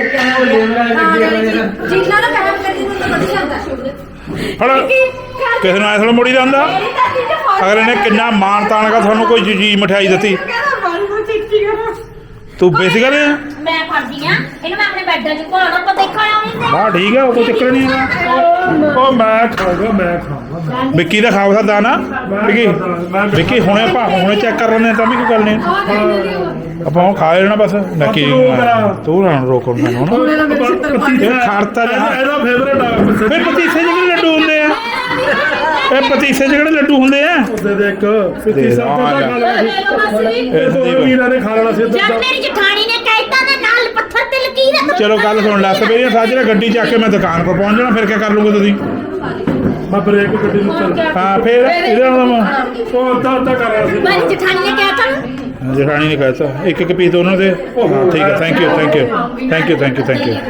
Speaker 7: ਜਿੰਨਾ ਨਾ ਕਹਿਣ ਕਰੀ ਨੂੰ ਤਾਂ ਵਧੀਆ ਜਾਂਦਾ
Speaker 6: ਹੜਾ ਕਿਸੇ ਨੂੰ ਐ ਥੋੜਾ ਮੋੜੀ ਦਾ ਹੁੰਦਾ
Speaker 7: ਮੇਰੀ ਦਾਦੀ ਨੇ ਫੋਨ
Speaker 6: ਅਗਰ ਇਹਨੇ ਕਿੰਨਾ ਮਾਣ ਤਾਣ ਕਰ ਤੁਹਾਨੂੰ ਕੋਈ ਚੀਜ਼ ਮਠਿਆਈ ਦਿੱਤੀ
Speaker 7: ਕਹਿੰਦਾ ਮਾਰੀ ਨੂੰ ਚਿੱਟੀ ਕਰ
Speaker 6: ਤੂੰ ਬੇਸਿਕਲ ਹੈ
Speaker 7: ਮੈਂ ਫੜਦੀ ਆ ਇਹਨੂੰ ਮੈਂ ਆਪਣੇ ਬੈੱਡ 'ਚ ਘੋਲਣਾ ਆਪਾਂ ਦੇਖਣ ਆਉਣੀ
Speaker 6: ਵਾਹ ਠੀਕ ਹੈ ਉਹ ਕੋਈ ਚੱਕਰ ਨਹੀਂ ਹੈਗਾ
Speaker 3: ਉਹ ਮੈਂ ਖਾਊਗਾ ਮੈਂ ਖਾਊਗਾ
Speaker 6: ਵਿੱਕੀ ਦਾ ਖਾਓ ਸਕਦਾ ਨਾ ਵਿੱਕੀ ਵਿੱਕੀ ਹੁਣੇ ਆਪਾਂ ਹੁਣੇ ਚੈੱਕ ਕਰ ਲੈਂਦੇ ਹਾਂ ਤਾਂ ਵੀ ਕੋਈ ਗੱਲ ਨਹੀਂ ਆਪਾਂ ਉਹ ਖਾ ਲੈਣਾ ਬਸ ਨੱਕੀ ਤੂੰ ਨਾ ਰੋਕੋ ਮੈਨੂੰ ਨਾ ਇਹ ਖਾਰਤਾ ਜਾ
Speaker 3: ਇਹਦਾ ਫੇਵਰੇਟ ਆ
Speaker 6: ਫਿਰ ਪਤੀਸੇ ਜਿਹੜੇ ਲੱਡੂ ਹੁੰਦੇ ਆ ਇਹ ਪਤੀਸੇ ਜਿਹੜੇ ਲੱਡੂ ਹੁੰਦੇ ਆ
Speaker 3: ਉਹਦੇ ਦੇ ਇੱਕ ਸਿੱਧੀ ਸਭ ਤੋਂ
Speaker 6: ਆ
Speaker 3: ਖਾ ਲੈਣਾ
Speaker 6: ਇਹ
Speaker 3: ਸੀ
Speaker 6: ਸੰਦੀਪ।
Speaker 3: ਵੀਰਾਂ ਨੇ ਖਾ ਲੈਣਾ ਸੀ
Speaker 7: ਜਦ ਮੇਰੀ ਜਠਾਣੀ ਨੇ ਕਹਿਤਾ ਤੇ ਨਾਲ ਪੱਥਰ ਤੇ ਲਕੀਰ
Speaker 6: ਚਲੋ ਗੱਲ ਸੁਣ ਲੈ ਸਵੇਰੇ ਸਾਜਰੇ ਗੱਡੀ ਚੱਕ ਕੇ ਮੈਂ ਦੁਕਾਨ ਪਰ ਪਹੁੰਚ ਜਾਣਾ ਫਿਰ ਕੀ ਕਰ ਲੂਗੇ ਤੁਸੀਂ
Speaker 3: ਮੈਂ ਬ੍ਰੇਕ ਗੱਡੀ ਨੂੰ ਚੱਲ
Speaker 6: ਹਾਂ ਫਿਰ ਇਹਦੇ ਨਾਲ ਮੈਂ
Speaker 3: ਉਹ ਤਾਂ ਤਾਂ ਕਰ ਰਿਹਾ ਸੀ
Speaker 7: ਮੇਰੀ ਜਠਾਣੀ ਨੇ ਕਹਿਤਾ
Speaker 6: ਜਠਾਣੀ ਨੇ ਕਹਿਤਾ ਇੱਕ ਇੱਕ ਪੀਸ ਉਹਨਾਂ ਦੇ ਹਾਂ ਠੀਕ ਹੈ thank you thank you thank you thank you thank you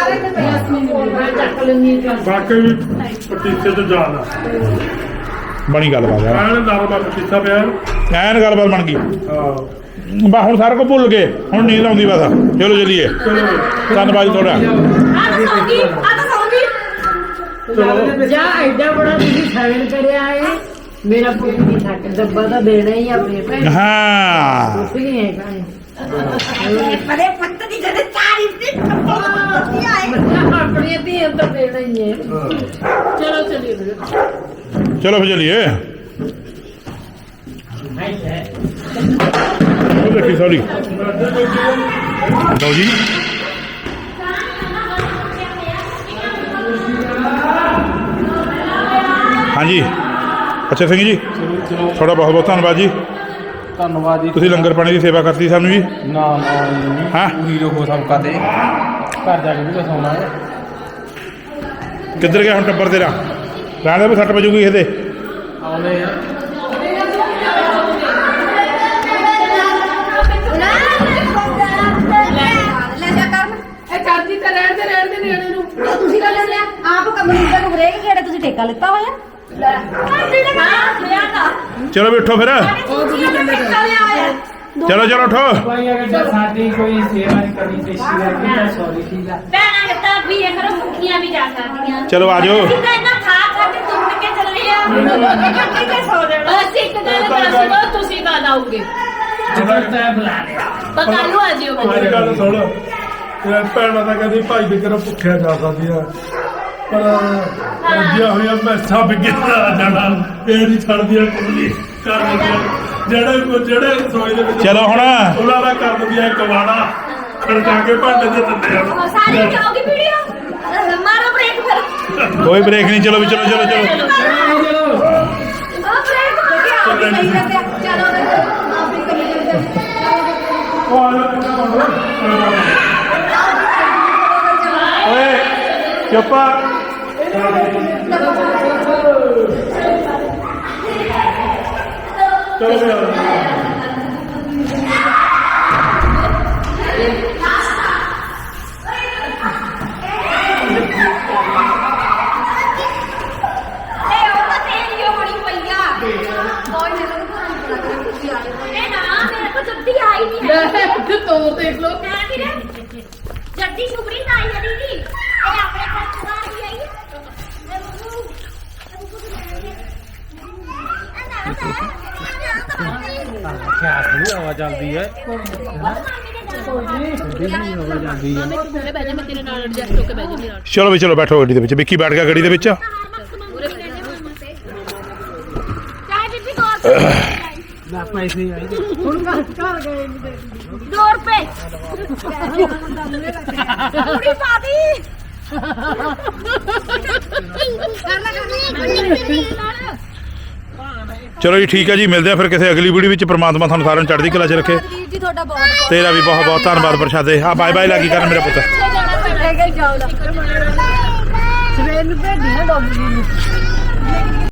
Speaker 3: ਵਾਕਈ ਪਤੀਸੇ ਤੋਂ ਜਾਣਾ
Speaker 6: ਬਣੀ ਗੱਲਬਾਤ ਯਾਰ
Speaker 3: ਐਨ ਨਰਮਾ ਪਤੀਸਾ ਪਿਆ
Speaker 6: ਐਨ ਗੱਲਬਾਤ ਬਣ ਗਈ
Speaker 3: ਹਾਂ
Speaker 6: ਬਾ ਹੁਣ ਸਾਰਾ ਕੁਝ ਭੁੱਲ ਗਏ ਹੁਣ ਨੀਂਦ ਆਉਂਦੀ ਬਸ ਚਲੋ ਚੱਲੀਏ ਧੰਨਵਾਦ ਤੁਹਾਡਾ
Speaker 7: ਆ ਤਾਂ ਸੌਂਗੀ ਆ ਤਾਂ ਸੌਂਗੀ
Speaker 5: ਜਾ ਐਡਾ ਬੜਾ ਤੁਸੀਂ ਸਾਈਨ ਕਰਿਆ ਹੈ ਮੇਰਾ ਪੁੱਤ ਨਹੀਂ ਥੱਕ ਡੱਬਾ ਤਾਂ ਦੇਣਾ ਹੀ ਆਪਣੇ ਭੈਣ
Speaker 6: ਹਾਂ
Speaker 5: ਕੁਛ ਨਹੀਂ ਹੈ
Speaker 7: ਪਰੇ ਪੱਤ ਦੀ ਜਦ ਚਾਰੀ ਸੀ ਕੀ ਆਏ
Speaker 5: ਆਪਣੀ ਧੀ ਤਾਂ ਦੇਣਾ ਹੀ ਹੈ ਚਲੋ ਚਲੀਏ ਫਿਰ
Speaker 6: ਚਲੋ ਫਿਰ ਚੱਲੀਏ ਦੇਖੀ ਸੌਰੀ ਲਓ ਜੀ ਹਾਂਜੀ ਅੱਛਾ ਸਿੰਘ ਜੀ ਤੁਹਾਡਾ ਬਹੁਤ ਬਹੁਤ ਧੰਨਵਾਦ ਜੀ
Speaker 8: ਧੰਨਵਾਦ ਜੀ
Speaker 6: ਤੁਸੀਂ ਲੰਗਰ ਪਾਣੀ ਦੀ ਸੇਵਾ ਕਰਤੀ ਸਾਨੂੰ ਜੀ
Speaker 8: ਨਾ ਨਾ
Speaker 6: ਹਾਂ
Speaker 8: ਪੂਰੀ ਰੋਕੋ ਸਭਕਾ ਤੇ ਘਰ ਜਾ ਕੇ ਵੀ ਸੌਣਾ ਹੈ
Speaker 6: ਕਿੱਧਰ ਗਿਆ ਹੁਣ ਟੱਬਰ ਤੇਰਾ ਰਹਿਣ ਦੇ ਸੱਟ ਵਜੂਗੀ ਇਹਦੇ
Speaker 8: ਆਉਨੇ ਆ
Speaker 7: ਲੈ ਜਾ ਕਰ
Speaker 1: ਇਹ ਚਾਚੀ ਤਾਂ ਰਹਿਣ ਦੇ ਰਹਿਣ ਦੇ ਨਿਆਣੇ ਨੂੰ
Speaker 7: ਤੁਸੀਂ ਗੱਲ ਲਿਆ ਆਪ ਕਮਰਿੰਦਰ ਨੂੰ ਬਰੇਕ ਕਿਹੜਾ ਤੁਸੀਂ ਠੇਕਾ ਲਿੱਤਾ ਹੋਇਆ ਲੈ ਹਾਂ ਲਿਆ ਤਾਂ
Speaker 6: ਚਲੋ ਬੈਠੋ ਫਿਰ
Speaker 7: ਉਹ ਤੁਸੀਂ ਠੇਕਾ ਲਿਆ ਹੋਇਆ
Speaker 6: ਚਲੋ ਚਲੋ ਉਠੋ
Speaker 4: ਭਾਈ ਅਗਰ ਸਾਡੀ ਕੋਈ ਸੇਵਾ ਨਹੀਂ ਕਰਨੀ ਪੇਸ਼ੀ ਕਰਕੇ ਤਾਂ ਸੌਰੀ ਠੀਕ ਆ
Speaker 7: ਭੈਣਾਂ ਤਾਂ ਵੀ ਇਹ ਕਰੋ ਭੁੱਖੀਆਂ ਵੀ ਜਾ ਸਕਦੀਆਂ
Speaker 6: ਚਲੋ ਆ ਜਾਓ
Speaker 7: ਅਸੀਂ ਤਾਂ ਇਹਨਾਂ ਖਾ ਖਾ ਕੇ ਤੁੰਨ ਕੇ ਚੱਲੇ ਆ ਕਿੱਥੇ ਸੌ ਜਾਣਾ ਅਸੀਂ ਇੱਕ ਗੱਲ ਦੱਸ ਦੋ ਤੁਸੀਂ ਕਦ ਆਓਗੇ
Speaker 4: ਜਦੋਂ ਤੈਂ ਬੁਲਾ ਲਿਆ
Speaker 7: ਪਤਾ ਨੂੰ ਆ ਜਿਓ
Speaker 3: ਅੱਜ ਗੱਲ ਸੁਣ ਇਹ ਭੈਣਾਂ ਤਾਂ ਕਹਿੰਦੀ ਭਾਈ ਵੀ ਤੇਰਾ ਭੁੱਖਿਆ ਜਾ ਸਕਦੀਆਂ ਪਰ ਅੱਜਿਆ ਹੋਇਆ ਮੈਸਾਂ ਬਿਗਿਆ ਜਾਣਾ ਇਹ ਨਹੀਂ ਛੱਡਦੀਆਂ ਕੁੜੀ ਕਰ ਦਿੰਦੀਆਂ ਜਿਹੜੇ ਜਿਹੜੇ ਰਸੋਈ ਦੇ ਵਿੱਚ
Speaker 6: ਚਲੋ ਹੁਣ
Speaker 3: ਉਹਨਾਂ ਦਾ ਕਰ ਦਿੰਦੀਆਂ ਕਵਾੜਾ ਖੜਕਾ ਕੇ ਭਾਂਡੇ ਦੇ ਦਿੰਦੇ ਆ
Speaker 7: ਸਾਰੀ ਜਾਓਗੀ ਵੀਡੀਓ ਮਾਰੋ ਬ੍ਰੇਕ ਫਿਰ
Speaker 6: ਕੋਈ ਬ੍ਰੇਕ ਨਹੀਂ ਚਲੋ ਵੀ ਚਲੋ ਚਲੋ ਚਲੋ
Speaker 4: ਚਲੋ
Speaker 7: ਉਹ ਬ੍ਰੇਕ ਹੋ ਗਿਆ ਉਹ ਵੀ ਕਰੀ ਜਾਂਦੇ ਆ। ਚਲੋ ਆਪਣੀ ਕਰੀ ਜਾਂਦੇ
Speaker 3: ਉਹ ਆ ਜਾ ਕਿੰਨਾ ਬੰਦਾ
Speaker 6: ਓਏ ਚੁੱਪਾ
Speaker 3: ਚਲੋ ਵੀ ਆ ਜਾ।
Speaker 7: ਇਹ ਉਹ ਤਾਂ ਤੇਰੀ ਓ ਬਣੀ ਪਈ ਆ ਕੋਈ ਨਾ ਇਹ ਨਾ ਮੇਰੇ ਕੋ ਜੱਦੀ ਆਈ ਨਹੀਂ ਹੈ
Speaker 1: ਲੈ ਤੋਰ ਦੇਖ ਲੋ
Speaker 7: ਮੈਂ ਵੀਰੇ ਜੱਦੀ ਸੁਪਰੀ ਤਾਂ ਆਈ ਹੈ ਦੀਦੀ ਇਹ ਆਪਣੇ ਘਰ ਤੋਂ ਬਾਹਰ ਹੀ ਆਈ ਹੈ ਮੈਂ ਬੁੱਬੂ ਇਹ ਬੁੱਬੂ
Speaker 8: ਖਿਆਸ ਨਹੀਂ ਆਵਾਜ਼ ਆਉਂਦੀ ਹੈ
Speaker 6: ਚਲੋ ਵੀ ਚਲੋ ਬੈਠੋ ਗੱਡੀ ਦੇ ਵਿੱਚ ਵਿੱਕੀ ਬੈਠ ਗਿਆ ਗੱਡੀ ਦੇ ਵਿੱਚ
Speaker 7: ਚਾਹੇ ਬੀਬੀ ਕੋਲ
Speaker 8: ਨਾ ਪੈਸੇ ਆਈ
Speaker 7: दो रुपए पूरी पादी
Speaker 6: ਚਲੋ ਜੀ ਠੀਕ ਹੈ ਜੀ ਮਿਲਦੇ ਆ ਫਿਰ ਕਿਸੇ ਅਗਲੀ ਵੀਡੀਓ ਵਿੱਚ ਪ੍ਰਮਾਤਮਾ ਤੁਹਾਨੂੰ ਸਾਰਿਆਂ ਨੂੰ ਚੜ੍ਹਦੀ ਕਲਾ 'ਚ ਰੱਖੇ
Speaker 7: जी ਤੁਹਾਡਾ ਬਹੁਤ
Speaker 6: ਤੇਰਾ ਵੀ ਬਹੁਤ ਬਹੁਤ ਧੰਨਵਾਦ ਪ੍ਰਸ਼ਾਦੇ ਆ ਬਾਏ ਬਾਏ ਲੱਗੀ ਕਰਨ ਮੇਰਾ ਪੁੱਤ
Speaker 5: ਸਵੇਰ ਨੂੰ ਭੇਜੀ ਨਾ ਡੋਬਲੀ ਨੂੰ